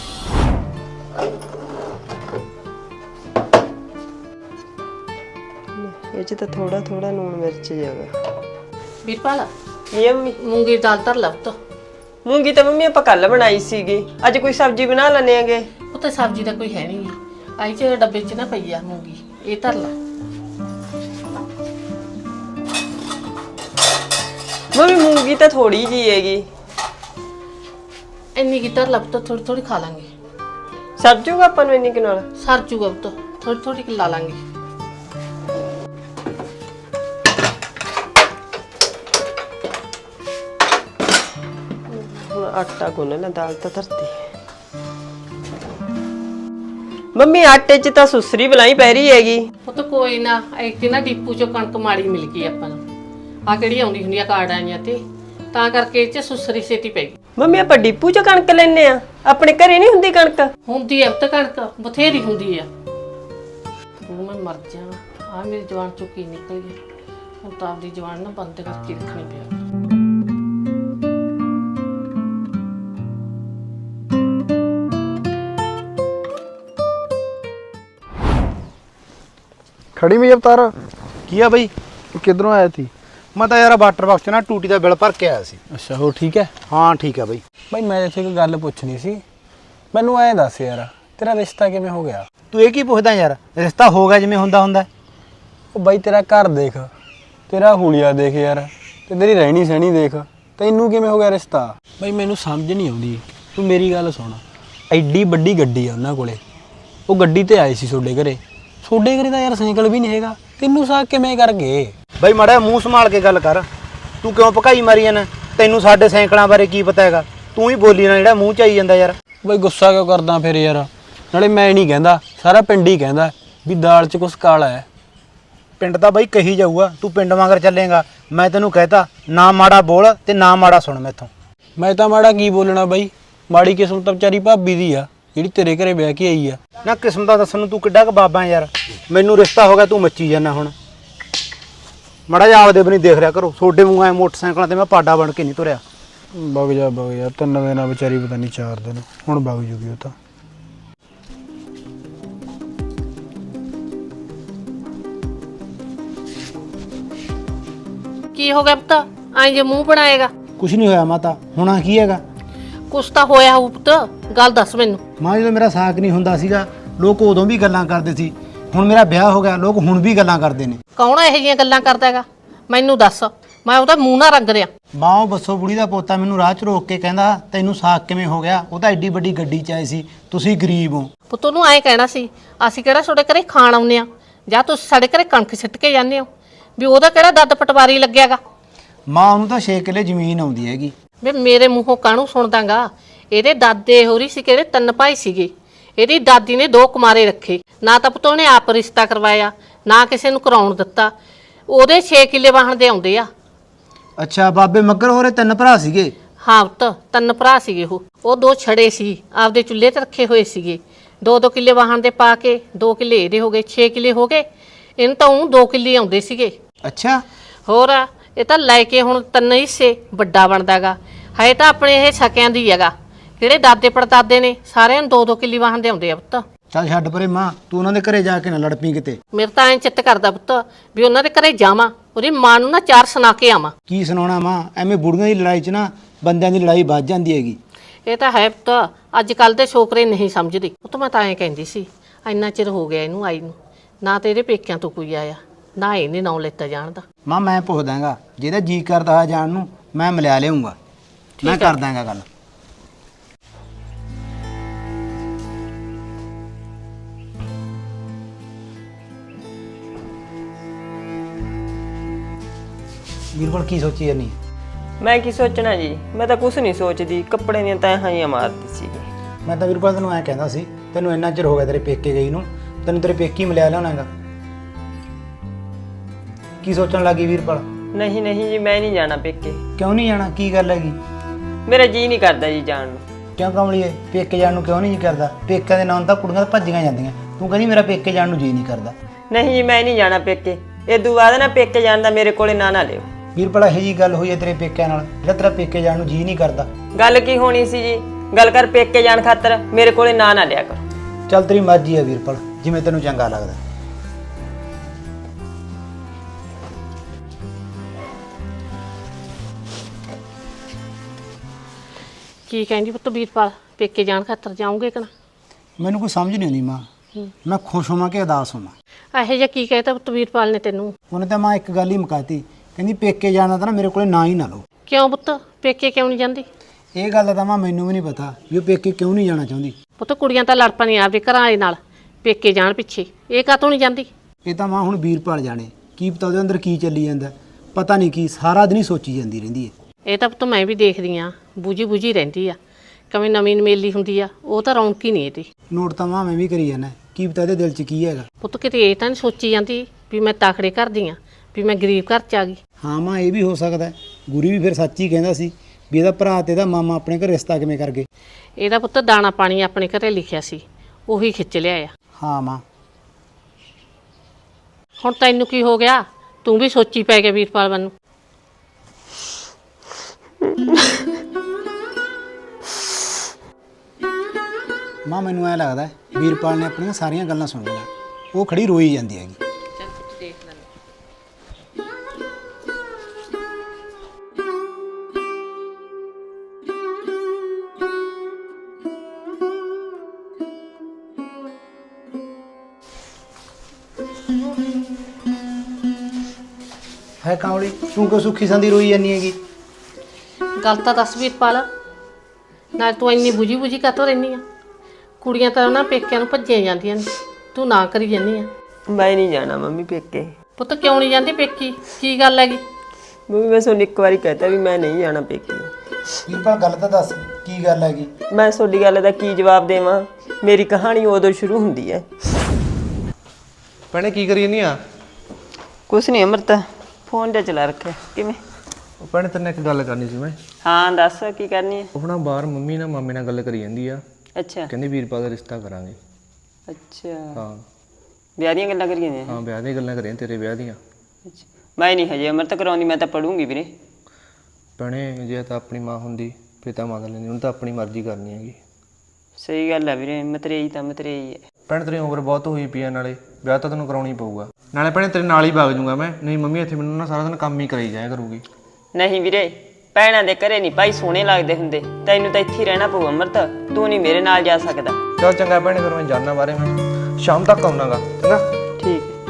S1: ਇਹ 'ਚ ਤਾਂ ਥੋੜਾ ਥੋੜਾ ਲੂਣ ਮਿਰਚ ਜਾਗਾ।
S2: ਵੀਰਪਾਲ
S1: ਇਹ ਮੰਮੀ,
S2: ਮੂੰਗੀ ਦੀ ਦਾਲ ਧਰ ਲੈ ਪੁੱਤ।
S1: ਮੂੰਗੀ ਤਾਂ ਮੰਮੀ ਆਪਾਂ ਕੱਲ ਬਣਾਈ ਸੀਗੀ, ਅੱਜ ਕੋਈ ਸਬਜ਼ੀ ਬਣਾ ਲੈਣੇ ਆਂਗੇ।
S2: ਉਹ ਤਾਂ ਸਬਜ਼ੀ ਦਾ ਕੋਈ ਹੈ ਨਹੀਂ, ਆਈ ਚ ਡੱਬੇ 'ਚ ਨਾ ਪਈ ਆ ਮੂੰਗੀ, ਇਹ ਧਰ ਲੈ।
S1: ਮੰਮੀ ਮੂੰਗੀ ਤਾਂ ਥੋੜੀ ਜੀ ਹੈਗੀ,
S2: ਇੰਨੀ ਕੀ ਧਰ ਲੈ ਪੁੱਤ, ਥੋੜੀ ਥੋੜੀ ਖਾ ਲਾਂਗੇ।
S1: ਸਰ ਜੂਗਾ ਆਪਾਂ ਨੂੰ ਇੰਨੀ ਕੁ ਨਾਲ?
S2: ਸਰ ਜੂਗਾ ਪੁੱਤ, ਥੋੜੀ ਥੋੜੀ ਲਾ ਲਾਂਗੇ।
S1: ਹੁਣ ਆਟਾ ਗੁੰਨ ਲੈ, ਦਾਲ ਤਾਂ ਧਰਤੀ। ਮੰਮੀ ਆਟੇ 'ਚ ਤਾਂ ਸੁਸਰੀ ਬਲਾਈ ਪੈ ਰਹੀ ਹੈਗੀ।
S2: ਪੁੱਤ ਕੋਈ ਨਾ, ਇੱਥੇ ਨਾ ਡਿਪੂ ਚੋਂ ਕਣਕ ਮਾੜੀ ਮਿਲ ਗਈ ਆਪਾਂ ਨੂੰ, ਆ ਕਿਹੜੀ ਆਉਂਦੀ ਹੁੰਦੀ ਆ ਕਾਰਡ ਆਈਆਂ ਤੇ, ਤਾਂ ਕਰਕੇ ਇਹ 'ਚ ਸੁਸਰੀ ਛੇਤੀ ਪੈ ਗਈ।
S1: ਮੰਮੀ ਆਪਾਂ ਡਿਪੂ 'ਚ ਕਣਕ ਲੈਣੇ ਆ, ਆਪਣੇ ਘਰੇ ਨਹੀਂ ਹੁੰਦੀ ਕਣਕ?
S2: ਹੁੰਦੀ ਐ ਪੁੱਤ ਕਣਕ, ਬਥੇਰੀ ਹੁੰਦੀ ਆ। ਉਹ ਮੈਂ ਮਰ ਜਾ, ਆ ਮੇਰੀ ਜਵਾਨ ਚੋਂ ਕੀ ਨਿਕਲ ਗਿਆ, ਹੁਣ ਤਾਂ ਆਪਦੀ ਜਵਾਨ ਨਾ ਬੰਦ ਕਰਕੇ ਰੱਖਣੀ ਪਿਆ।
S5: ਖੜੀ ਵੀ ਅਵਤਾਰ
S3: ਕੀ ਆ ਬਈ?
S5: ਕਿੱਧਰੋਂ ਆਇਆ ਸੀ? ਮੈਂ ਤਾਂ ਯਾਰ ਵਾਟਰ ਬਾਕਸ 'ਚ ਨਾ ਟੂਟੀ ਦਾ ਬਿੱਲ ਭਰ ਕੇ ਆਇਆ ਸੀ।
S3: ਅੱਛਾ ਹੋਰ ਠੀਕ ਹੈ?
S5: ਹਾਂ ਠੀਕ ਆ ਬਈ।
S3: ਬਈ ਮੈਂ ਇੱਥੇ ਇੱਕ ਗੱਲ ਪੁੱਛਣੀ ਸੀ, ਮੈਨੂੰ ਐਂ ਦੱਸ ਯਾਰ ਤੇਰਾ ਰਿਸ਼ਤਾ ਕਿਵੇਂ ਹੋ ਗਿਆ?
S5: ਤੂੰ ਇਹ ਕੀ ਪੁੱਛਦਾ ਯਾਰ, ਰਿਸ਼ਤਾ ਹੋ ਗਿਆ ਜਿਵੇਂ ਹੁੰਦਾ।
S3: ਉਹ ਬਾਈ ਤੇਰਾ ਘਰ ਦੇਖ, ਤੇਰਾ ਹੁਲੀਆ ਦੇਖ ਯਾਰ, ਤੇ ਤੇਰੀ ਰਹਿਣੀ ਸਹਿਣੀ ਦੇਖ, ਤੈਨੂੰ ਕਿਵੇਂ ਹੋ ਗਿਆ ਰਿਸ਼ਤਾ? ਬਾਈ ਮੈਨੂੰ ਸਮਝ ਨਹੀਂ ਆਉਂਦੀ, ਤੂੰ ਮੇਰੀ ਗੱਲ ਸੁਣ, ਐਡੀ ਵੱਡੀ ਗੱਡੀ ਆ ਉਹਨਾਂ ਕੋਲੇ, ਉਹ ਗੱਡੀ ਤੇ ਆਏ ਸੀ ਤੁਹਾਡੇ ਘਰੇ ਤਾਂ ਯਾਰ ਸਾਈਕਲ ਵੀ ਨਹੀਂ ਹੈਗਾ, ਤੈਨੂੰ ਸਾਕ ਕਿਵੇਂ ਕਰ ਗਏ?
S5: ਬਈ ਮਾੜਾ ਮੂੰਹ ਸੰਭਾਲ ਕੇ ਗੱਲ ਕਰ, ਤੂੰ ਕਿਉਂ ਭਕਾਈ ਮਾਰੀ ਜਾਂਦਾ? ਤੈਨੂੰ ਸਾਡੇ ਸਾਈਕਲਾਂ ਬਾਰੇ ਕੀ ਪਤਾ ਹੈਗਾ? ਤੂੰ ਹੀ ਬੋਲੀ ਨਾ, ਜਿਹੜਾ ਮੂੰਹ ਚ ਆਈ ਜਾਂਦਾ ਯਾਰ।
S3: ਬਈ ਗੁੱਸਾ ਕਿਉਂ ਕਰਦਾ ਫਿਰ ਯਾਰ? ਨਾਲੇ ਮੈਂ ਨਹੀਂ ਕਹਿੰਦਾ, ਸਾਰਾ ਪਿੰਡ ਹੀ ਕਹਿੰਦਾ ਵੀ ਦਾਲ 'ਚ ਕੁਛ ਕਾਲਾ ਹੈ।
S5: ਪਿੰਡ ਤਾਂ ਬਈ ਕਹੀ ਜਾਊਗਾ, ਤੂੰ ਪਿੰਡ ਵਾਂਗਰ ਚੱਲੇਗਾ। ਮੈਂ ਤੈਨੂੰ ਕਹਿਤਾ ਨਾ ਮਾੜਾ ਬੋਲ ਤੇ ਨਾ ਮਾੜਾ ਸੁਣ ਮੈਥੋਂ।
S3: ਮੈਂ ਤਾਂ ਮਾੜਾ ਕੀ ਬੋਲਣਾ ਬਾਈ, ਮਾੜੀ ਕਿਸਮਤ ਤਾਂ ਵਿਚਾਰੀ ਭਾਬੀ ਦੀ ਆ ਜਿਹੜੀ ਤੇਰੇ ਘਰੇ ਵਿਆਹ ਕੇ ਆਈ ਆ।
S5: ਨਾ ਕਿਸਮ ਦਾ ਦੱਸਣ ਨੂੰ ਤੂੰ ਕਿੱਡਾ ਕੁ ਬਾਬਾ ਯਾਰ, ਮੈਨੂੰ ਰਿਸ਼ਤਾ ਹੋ ਗਿਆ ਤੂੰ ਮੱਚੀ ਜਾਂਦਾ। ਹੁਣ ਮਾੜਾ ਜਿਹਾ ਆਪਦੇ ਵੀ ਨਹੀਂ ਦੇਖ ਰਿਹਾ ਕਰੋ, ਛੋਡੇ ਮੂੰਹ ਐ ਮੋਟਰਸਾਈਕਲਾਂ ਤੇ ਮੈਂ ਪਾਡਾ ਬਣ ਕੇ ਨਹੀਂ ਤੁਰਿਆ।
S3: ਵਗ ਜਾ 3 ਦਿਨਾਂ ਵਿਚਾਰੀ, ਪਤਾ ਨਹੀਂ 4 ਦਿਨ, ਹੁਣ ਵਗ ਜੂਗੀ ਉਹ ਤਾਂ।
S2: ਕੀ ਹੋ ਗਿਆ ਪੁੱਤ, ਐਂ ਜੇ ਮੂੰਹ ਬਣਾਏਗਾ?
S5: ਕੁਛ ਨਹੀਂ ਹੋਇਆ ਮਾਤਾ, ਹੋਣਾ ਕੀ ਹੈਗਾ?
S2: ਕੁਛ ਤਾਂ ਹੋਇਆ ਹੋਊ ਪੁੱਤ, ਗੱਲ ਦੱਸ ਮੈਨੂੰ।
S5: ਮਾਂ ਜਦੋਂ ਮੇਰਾ ਸਾਕ ਨਹੀਂ ਹੁੰਦਾ ਸੀਗਾ, ਲੋਕ ਉਦੋਂ ਵੀ ਗੱਲਾਂ ਕਰਦੇ ਸੀ, ਹੁਣ ਮੇਰਾ ਵਿਆਹ ਹੋ ਗਿਆ, ਲੋਕ ਹੁਣ ਵੀ ਗੱਲਾਂ ਕਰਦੇ ਨੇ।
S2: ਕੌਣ ਇਹੋ ਜਿਹੀਆਂ ਗੱਲਾਂ ਕਰਦਾ ਹੈਗਾ, ਮੈਨੂੰ ਦੱਸ, ਮੈਂ ਉਹਦਾ ਮੂੰਹ ਨਾ ਰੰਗ ਰਿਆ।
S5: ਮਾਂ ਉਹ ਬੱਸੋ ਬੁੜੀ ਦਾ ਪੋਤਾ ਮੈਨੂੰ ਰਾਹ 'ਚ ਰੋਕ ਕੇ ਕਹਿੰਦਾ ਤੈਨੂੰ ਸਾਕ ਕਿਵੇਂ ਹੋ ਗਿਆ? ਉਹ ਤਾਂ ਐਡੀ ਵੱਡੀ ਗੱਡੀ 'ਚ ਆਏ ਸੀ, ਤੁਸੀਂ ਗਰੀਬ ਹੋ।
S2: ਪੁੱਤ ਨੂੰ ਐਂ ਕਹਿਣਾ ਸੀ, ਅਸੀਂ ਕਿਹੜਾ ਤੁਹਾਡੇ ਘਰੇ ਖਾਣ ਆਉਂਦੇ ਆ, ਜਾਂ ਤੁਸੀਂ ਸਾਡੇ ਘਰੇ ਕਣਕ ਸਿੱਟ ਕੇ ਜਾਂਦੇ ਹੋ ਵੀ ਉਹਦਾ ਕਿਹੜਾ ਦੱਦ ਪਟਵਾਰੀ ਲੱਗਿਆਗਾ।
S5: ਮਾਂ ਉਹਨੂੰ ਤਾਂ 6 ਕਿੱਲੇ ਜ਼ਮੀਨ ਆਉਂਦੀ ਹੈਗੀ।
S2: ਵੇ ਮੇਰੇ ਮੂੰਹੋਂ ਕਾਹਨੂੰ ਸੁਣਦਾਗਾ। ਇਹਦੇ ਦਾਦੇ ਹੋਰੀ ਸੀ ਕਿਹੜੇ 3 ਭਾਈ ਸੀਗੇ। ਇਹਦੀ ਦਾਦੀ ਨੇ 2 ਕੁਮਾਰੇ ਰੱਖੇ, ਨਾ ਤਾਂ ਪੁੱਤ ਉਹਨੇ ਆਪ ਰਿਸ਼ਤਾ ਕਰਵਾਇਆ ਨਾ ਕਿਸੇ ਨੂੰ ਕਰਾਉਣ ਦਿੱਤਾ। ਉਹਦੇ 6 ਕਿੱਲੇ ਵਾਹਣ ਦੇ ਆਉਂਦੇ ਆ।
S5: ਅੱਛਾ, ਬਾਬੇ ਮੱਗਰ ਹੋਰੇ 3 ਭਰਾ ਸੀਗੇ।
S2: ਹਾਂ ਪੁੱਤ 3 ਭਰਾ ਸੀਗੇ ਉਹ 2 ਛੜੇ ਸੀ ਆਪਦੇ ਚੁੱਲ੍ਹੇ ਤੇ ਰੱਖੇ ਹੋਏ ਸੀਗੇ। 2-2 ਕਿੱਲੇ ਵਾਹਣ ਦੇ ਪਾ ਕੇ 2 ਕਿੱਲੇ ਇਹਦੇ ਹੋ ਗਏ, 6 ਕਿੱਲੇ ਹੋ ਗਏ। ਇਹਨੂੰ ਤਾਂ ਉਹ 2 ਕਿੱਲੇ ਆਉਂਦੇ ਸੀਗੇ।
S5: ਅੱਛਾ,
S2: ਹੋਰ ਇਹ ਤਾਂ ਲੈ ਕੇ ਹੁਣ 3 ਹਿੱਸੇ ਵੱਡਾ ਬਣਦਾਗਾ। ਹੈ ਤਾਂ ਆਪਣੇ ਇਹ ਸਕਿਆਂ ਦੀ ਹੈਗਾ। ਜਿਹੜੇ ਦਾਦੇ ਪੜਦਾਦੇ ਨੇ ਸਾਰਿਆਂ ਨੂੰ 2-2 ਕਿੱਲੇ ਵਾਹਣ ਦੇ ਆਉਂਦੇ ਆ ਪੁੱਤ।
S5: ਚੱਲ ਛੱਡ ਪਰੇ ਮਾਂ, ਤੂੰ ਉਹਨਾਂ ਦੇ ਘਰੇ ਜਾ ਕੇ ਨਾ ਲੜ ਪਈ ਕਿਤੇ।
S2: ਮੇਰੇ ਤਾਂ ਐਂ ਚਿੱਤ ਕਰਦਾ ਪੁੱਤ ਵੀ ਉਹਨਾਂ ਦੇ ਘਰੇ ਜਾਵਾਂ, ਉਹਦੀ ਮਾਂ ਨੂੰ ਨਾ 4 ਸੁਣਾ ਕੇ ਆਵਾਂ।
S5: ਕੀ ਸੁਣਾਉਣਾ ਮਾਂ, ਐਵੇਂ ਬੁੜੀਆਂ ਦੀ ਲੜਾਈ 'ਚ ਨਾ ਬੰਦਿਆਂ ਦੀ ਲੜਾਈ ਵੱਧ ਜਾਂਦੀ ਹੈਗੀ।
S2: ਇਹ ਤਾਂ ਹੈ ਪੁੱਤ, ਅੱਜ ਕੱਲ ਦੇ ਛੋਕਰੇ ਨਹੀਂ ਸਮਝਦੇ। ਪੁੱਤ ਮੈਂ ਤਾਂ ਐਂ ਕਹਿੰਦੀ ਸੀ, ਇੰਨਾ ਚਿਰ ਹੋ ਗਿਆ ਇਹਨੂੰ ਆਈ ਨੂੰ, ਨਾ ਤੇ ਇਹਦੇ ਪੇਕਿਆਂ ਤੋਂ ਕੋਈ ਆਇਆ ਨਾ ਇਹਨੇ ਨਾਂ ਲੈਤਾ ਜਾਣ ਦਾ।
S5: ਮਾਂ ਮੈਂ ਪੁੱਛ ਦਾਂਗਾ, ਜਿਹਦਾ ਜੀ ਕਰਦਾ ਆ ਜਾਣ ਨੂੰ ਮੈਂ ਮਿਲਿਆ ਲਿਆਉਂਗਾ। ਮੈਂ ਕਰ ਦਾਂਗਾ ਗੱਲ। ਵੀਰਪਾਲ ਕੀ ਸੋਚੀ ਜਾਨੀ?
S1: ਮੈਂ ਕੀ ਸੋਚਣਾ ਜੀ, ਮੈਂ ਤਾਂ ਕੁਝ ਨਹੀਂ ਸੋਚਦੀ। ਕੱਪੜੇ ਦੀਆਂ ਤੈਹਾਂ ਹੀ ਮਾਰਦੀ ਸੀਗੀ।
S5: ਮੈਂ ਤਾਂ ਵੀਰਪਾਲ ਤੈਨੂੰ ਐਂ ਕਹਿੰਦਾ ਸੀ, ਤੈਨੂੰ ਇੰਨਾ ਚਿਰ ਹੋ ਗਿਆ ਤੇਰੇ ਪੇਕੇ ਗਈ ਨੂੰ, ਤੈਨੂੰ ਤੇਰੇ ਪੇਕੀ ਮਿਲਿਆ ਲਿਆਉਣਾਗਾ। ਕੀ ਸੋਚਣ ਲੱਗੀ ਵੀਰਪਾਲ?
S1: ਨਹੀਂ ਨਹੀਂ ਜੀ, ਮੈਂ ਨਹੀਂ ਜਾਣਾ ਪੇਕੇ।
S5: ਕਿਉਂ ਨਹੀਂ ਜਾਣਾ? ਕੀ ਗੱਲ ਹੈਗੀ?
S1: ਮੇਰਾ ਜੀ ਨਹੀਂ ਕਰਦਾ ਜੀ ਜਾਣ ਨੂੰ।
S5: ਕਿਉਂ ਕਮਲੀਏ, ਪੇਕੇ ਜਾਣ ਨੂੰ ਕਿਉਂ ਨਹੀਂ ਜੀ ਕਰਦਾ? ਪੇਕਿਆਂ ਦੇ ਨਾਂ ਤਾਂ ਕੁੜੀਆਂ ਤਾਂ ਭੱਜੀਆਂ ਜਾਂਦੀਆਂ, ਤੂੰ ਕਹਿੰਦੀ ਮੇਰਾ ਪੇਕੇ ਜਾਣ ਨੂੰ ਜੀ ਨਹੀਂ ਕਰਦਾ।
S1: ਨਹੀਂ ਜੀ, ਮੈਂ ਨਹੀਂ ਜਾਣਾ ਪੇਕੇ। ਇਦੋਂ ਬਾਅਦ ਨਾ ਪੇਕੇ ਜਾਣ ਦਾ ਮੇਰੇ ਕੋਲੇ ਨਾ ਲਿਓ।
S5: ਵੀਰਪਾਲ ਇਹੋ ਜੀ ਗੱਲ ਹੋਈ ਹੈ ਤੇਰੇ ਪੇਕਿਆਂ ਨਾਲ ਜਿਹੜਾ ਤੇਰਾ ਪੇਕੇ ਜਾਣ ਨੂੰ ਜੀ ਨਹੀਂ ਕਰਦਾ?
S1: ਗੱਲ ਕੀ ਹੋਣੀ ਸੀ ਜੀ? ਗੱਲ ਕਰ ਪੇਕੇ ਜਾਣ ਖਾਤਰ ਮੇਰੇ ਕੋਲੇ ਨਾ ਲਿਆ ਕਰੋ।
S5: ਚੱਲ ਤੇਰੀ ਮਰਜ਼ੀ ਹੈ ਵੀਰਪਾਲ, ਜਿਵੇਂ ਤੈਨੂੰ ਚੰਗਾ ਲੱਗਦਾ।
S2: ਕੀ ਕਹਿੰਦੀ ਪੁੱਤ ਵੀਰਪਾਲ, ਪੇਕੇ ਜਾਣ ਖਾਤਰ ਜਾਉਂਗੇ ਕਿ ਨਾ?
S5: ਮੈਨੂੰ ਕੋਈ ਸਮਝ ਨਹੀਂ ਆਉਂਦੀ ਮਾਂ, ਮੈਂ ਖੁਸ਼ ਹੋਵਾਂ ਕਿ ਉਦਾਸ ਹੋਵਾਂ।
S2: ਇਹੋ ਜਿਹਾ ਕੀ ਕਹਿਤਾ ਪੁੱਤ ਵੀਰਪਾਲ ਨੇ ਤੈਨੂੰ?
S5: ਉਹਨੇ ਤਾਂ ਮਾਂ ਇੱਕ ਗੱਲ ਹੀ ਮੁਕਾਤੀ, ਕਹਿੰਦੀ ਪੇਕੇ ਜਾਣਾ ਤਾਂ ਨਾ ਮੇਰੇ ਕੋਲੇ ਨਾ ਹੀ ਨਾ ਲਓ।
S2: ਕਿਉਂ ਪੁੱਤ, ਪੇਕੇ ਕਿਉਂ ਨਹੀਂ ਜਾਂਦੀ?
S5: ਇਹ ਗੱਲ ਦਾ ਤਾਂ ਮਾਂ ਮੈਨੂੰ ਵੀ ਨਹੀਂ ਪਤਾ ਵੀ ਉਹ ਪੇਕੇ ਕਿਉਂ ਨਹੀਂ ਜਾਣਾ ਚਾਹੁੰਦੀ।
S2: ਪੁੱਤ ਕੁੜੀਆਂ ਤਾਂ ਲੜ ਪੈਂਦੀਆਂ ਆਪਦੇ ਘਰਾਂ ਦੇ ਨਾਲ ਪੇਕੇ ਜਾਣ ਪਿੱਛੇ, ਇਹ ਕਾਹਤੋਂ ਨਹੀਂ ਜਾਂਦੀ?
S5: ਇਹ ਤਾਂ ਮਾਂ ਹੁਣ ਵੀਰਪਾਲ ਜਾਣੇ, ਕੀ ਪਤਾ ਉਹਦੇ ਅੰਦਰ ਕੀ ਚੱਲੀ ਜਾਂਦਾ, ਪਤਾ ਨਹੀਂ ਕੀ ਸਾਰਾ ਦਿਨ ਹੀ ਸੋਚੀ ਜਾਂਦੀ ਰਹਿੰਦੀ ਹੈ।
S2: ਇਹ ਤਾਂ ਪੁੱਤ ਮੈਂ ਵੀ ਦੇਖਦੀ ਆ, ਬੂਝੀ ਰਹਿੰਦੀ ਆ। ਕਵੇਂ ਨਵੀਂ ਮੇਲੀ ਹੁੰਦੀ ਆ, ਉਹ ਤਾਂ ਰੌਣਕ ਹੀ ਨਹੀਂ ਇਹਦੀ।
S5: ਨੋਟ ਤਾਂ ਮਾਂ ਮੈਂ ਵੀ ਕਰੀ ਜਾਂਦਾ, ਕੀ ਪਤਾ ਇਹਦੇ ਦਿਲ 'ਚ ਕੀ ਹੈਗਾ।
S2: ਪੁੱਤ ਕਿਤੇ ਇਹ ਤਾਂ ਨਹੀਂ ਸੋਚੀ ਜਾਂਦੀ ਵੀ ਮੈਂ ਤਾਖੜੇ ਘਰ ਦੀ ਆ, ਵੀ ਮੈਂ ਗਰੀਬ ਘਰ 'ਚ ਆ ਗਈ।
S5: ਹਾਂ ਮਾਂ, ਇਹ ਵੀ ਹੋ ਸਕਦਾ। ਗੁਰੀ ਵੀ ਫਿਰ ਸੱਚ ਹੀ ਕਹਿੰਦਾ ਸੀ ਵੀ ਇਹਦਾ ਭਰਾ ਤੇ ਇਹਦਾ ਮਾਮਾ ਆਪਣੇ ਘਰ ਰਿਸ਼ਤਾ ਕਿਵੇਂ ਕਰ ਗਏ।
S2: ਇਹਦਾ ਪੁੱਤ ਦਾਣਾ ਪਾਣੀ ਆਪਣੇ ਘਰੇ ਲਿਖਿਆ ਸੀ, ਉਹੀ ਖਿੱਚ ਲਿਆ ਆ।
S5: ਹਾਂ ਮਾਂ,
S2: ਹੁਣ ਤੈਨੂੰ ਕੀ ਹੋ ਗਿਆ? ਤੂੰ ਵੀ ਸੋਚੀ ਪੈ ਗਿਆ ਵੀਰਪਾਲ ਵੱਲ ਨੂੰ।
S5: ਮਾਂ ਮੈਨੂੰ ਐ ਲੱਗਦਾ ਵੀਰਪਾਲ ਨੇ ਆਪਣੀਆਂ ਸਾਰੀਆਂ ਗੱਲਾਂ ਸੁਣ ਲਈਆਂ, ਉਹ ਖੜੀ ਰੋਈ ਜਾਂਦੀ ਹੈਗੀ।
S2: ਚੱਲ ਪੁੱਤ ਦੇਖ ਲੈ।
S5: ਹੈ ਕਾਂਵਲੀ, ਤੂੰ ਕਿਉਂ ਸੁੱਖੀ ਸੰਦੀ ਰੋਈ ਜਾਂਦੀ ਹੈਗੀ?
S2: ਗੱਲ ਤਾਂ ਦੱਸ ਵੀਰਪਾਲ, ਨਾਲ ਤੂੰ ਇੰਨੀ ਬੁਝੀ ਕਾਹਤੋਂ ਰਹਿੰਦੀ ਆ? ਕੁੜੀਆਂ ਤਾਂ ਉਹਨਾਂ ਪੇਕਿਆਂ ਨੂੰ ਭੱਜੀਆਂ ਜਾਂਦੀਆਂ ਨੇ, ਤੂੰ ਨਾ ਕਰੀ ਜਾਂਦੀ ਆ।
S1: ਮੈਂ ਨਹੀਂ ਜਾਣਾ ਮੰਮੀ ਪੇਕੇ।
S2: ਪੁੱਤ ਕਿਉਂ ਨਹੀਂ ਜਾਂਦੀ ਪੇਕੀ? ਕੀ ਗੱਲ ਹੈਗੀ?
S1: ਮੰਮੀ ਮੈਂ ਤੁਹਾਨੂੰ ਇੱਕ ਵਾਰੀ ਕਹਿਤਾ ਵੀ ਮੈਂ ਨਹੀਂ ਜਾਣਾ ਪੇਕੇ।
S5: ਵੀਰਪਾਲ ਗੱਲ ਤਾਂ ਦੱਸ, ਕੀ ਗੱਲ ਹੈਗੀ?
S1: ਮੈਂ ਤੁਹਾਡੀ ਗੱਲ ਦਾ ਕੀ ਜਵਾਬ ਦੇਵਾਂ? ਮੇਰੀ ਕਹਾਣੀ ਉਦੋਂ ਸ਼ੁਰੂ ਹੁੰਦੀ ਹੈ।
S6: ਭੈਣੇ ਕੀ ਕਰੀ ਜਾਂਦੀ ਆ?
S1: ਕੁਛ ਨਹੀਂ ਅਮਰਤ, ਫੋਨ ਤੇ ਚਲਾ ਰੱਖਿਆ। ਕਿਵੇਂ?
S7: ਉਹ ਭੈਣੇ ਤੇਰੇ ਨਾਲ ਇੱਕ ਗੱਲ ਕਰਨੀ ਸੀ ਮੈਂ।
S1: ਹਾਂ ਦੱਸ, ਕੀ ਕਰਨੀ ਹੈ?
S7: ਉਹ ਨਾ ਬਾਹਰ ਮੰਮੀ ਨਾਲ ਮਾਮੇ ਨਾਲ ਗੱਲ ਕਰੀ ਜਾਂਦੀ ਆ,
S1: ਅੱਛਾ
S7: ਕਹਿੰਦੀ ਵੀਰਪਾਲ ਦਾ ਰਿਸ਼ਤਾ ਕਰਾਂਗੇ।
S1: ਅੱਛਾ,
S7: ਹਾਂ
S1: ਵਿਆਹ ਦੀਆਂ ਗੱਲਾਂ ਕਰੀਆਂ ਨੇ?
S7: ਹਾਂ, ਵਿਆਹ ਦੀਆਂ ਗੱਲਾਂ ਕਰੀਆਂ, ਤੇਰੇ ਵਿਆਹ ਦੀਆਂ।
S1: ਅੱਛਾ, ਮੈਂ ਨਹੀਂ ਹਜੇ ਅਮਰਤ ਕਰਾਉਂਦੀ, ਮੈਂ ਤਾਂ ਪੜੂੰਗੀ ਵੀਰੇ।
S7: ਭੈਣੇ ਜੇ ਤਾਂ ਆਪਣੀ ਮਾਂ ਹੁੰਦੀ ਫਿਰ ਤਾਂ ਮੰਨ ਲੈਂਦੀ, ਉਹਨੂੰ ਤਾਂ ਆਪਣੀ ਮਰਜ਼ੀ ਕਰਨੀ ਹੈਗੀ।
S1: ਸਹੀ ਗੱਲ ਹੈ ਵੀਰੇ, ਮਤਰੇਈ ਤਾਂ ਮਤਰੇਈ ਹੈ।
S7: ਭੈਣ ਤੇਰੀ ਉਮਰ ਬਹੁਤ ਹੋਈ ਪਈ ਆ, ਨਾਲੇ ਵਿਆਹ ਤਾਂ ਤੈਨੂੰ ਕਰਾਉਣਾ ਹੀ ਪਊਗਾ। ਨਾਲੇ ਭੈਣੇ ਤੇਰੇ ਨਾਲ ਹੀ ਵਗ ਜੂੰਗਾ ਮੈਂ, ਨਹੀਂ ਮੰਮੀ ਇੱਥੇ ਮੈਨੂੰ ਨਾ ਸਾਰਾ ਦਿਨ ਕੰਮ ਹੀ ਕਰਾਈ ਜਾਇਆ ਕਰੂਗੀ।
S1: ਨਹੀਂ ਵੀਰੇ, ਭੈਣਾਂ ਦੇ ਘਰੇ ਨਹੀਂ ਭਾਈ ਸੋਹਣੇ ਲੱਗਦੇ ਹੁੰਦੇ। ਤੈਨੂੰ ਤਾਂ ਇੱਥੇ ਹੀ ਰਹਿਣਾ ਪਊ ਅਮਰਤ, ਤੂੰ ਨਹੀਂ ਮੇਰੇ ਨਾਲ ਜਾ ਸਕਦਾ।
S7: ਚੱਲ ਚੰਗਾ ਭੈਣੇ, ਫਿਰ ਮੈਂ ਜਾਣਾ ਬਾਰੇ, ਮੈਂ ਸ਼ਾਮ ਤੱਕ ਆਉਣਾਗਾ। ਚੰਗਾ
S1: ਠੀਕ ਹੈ।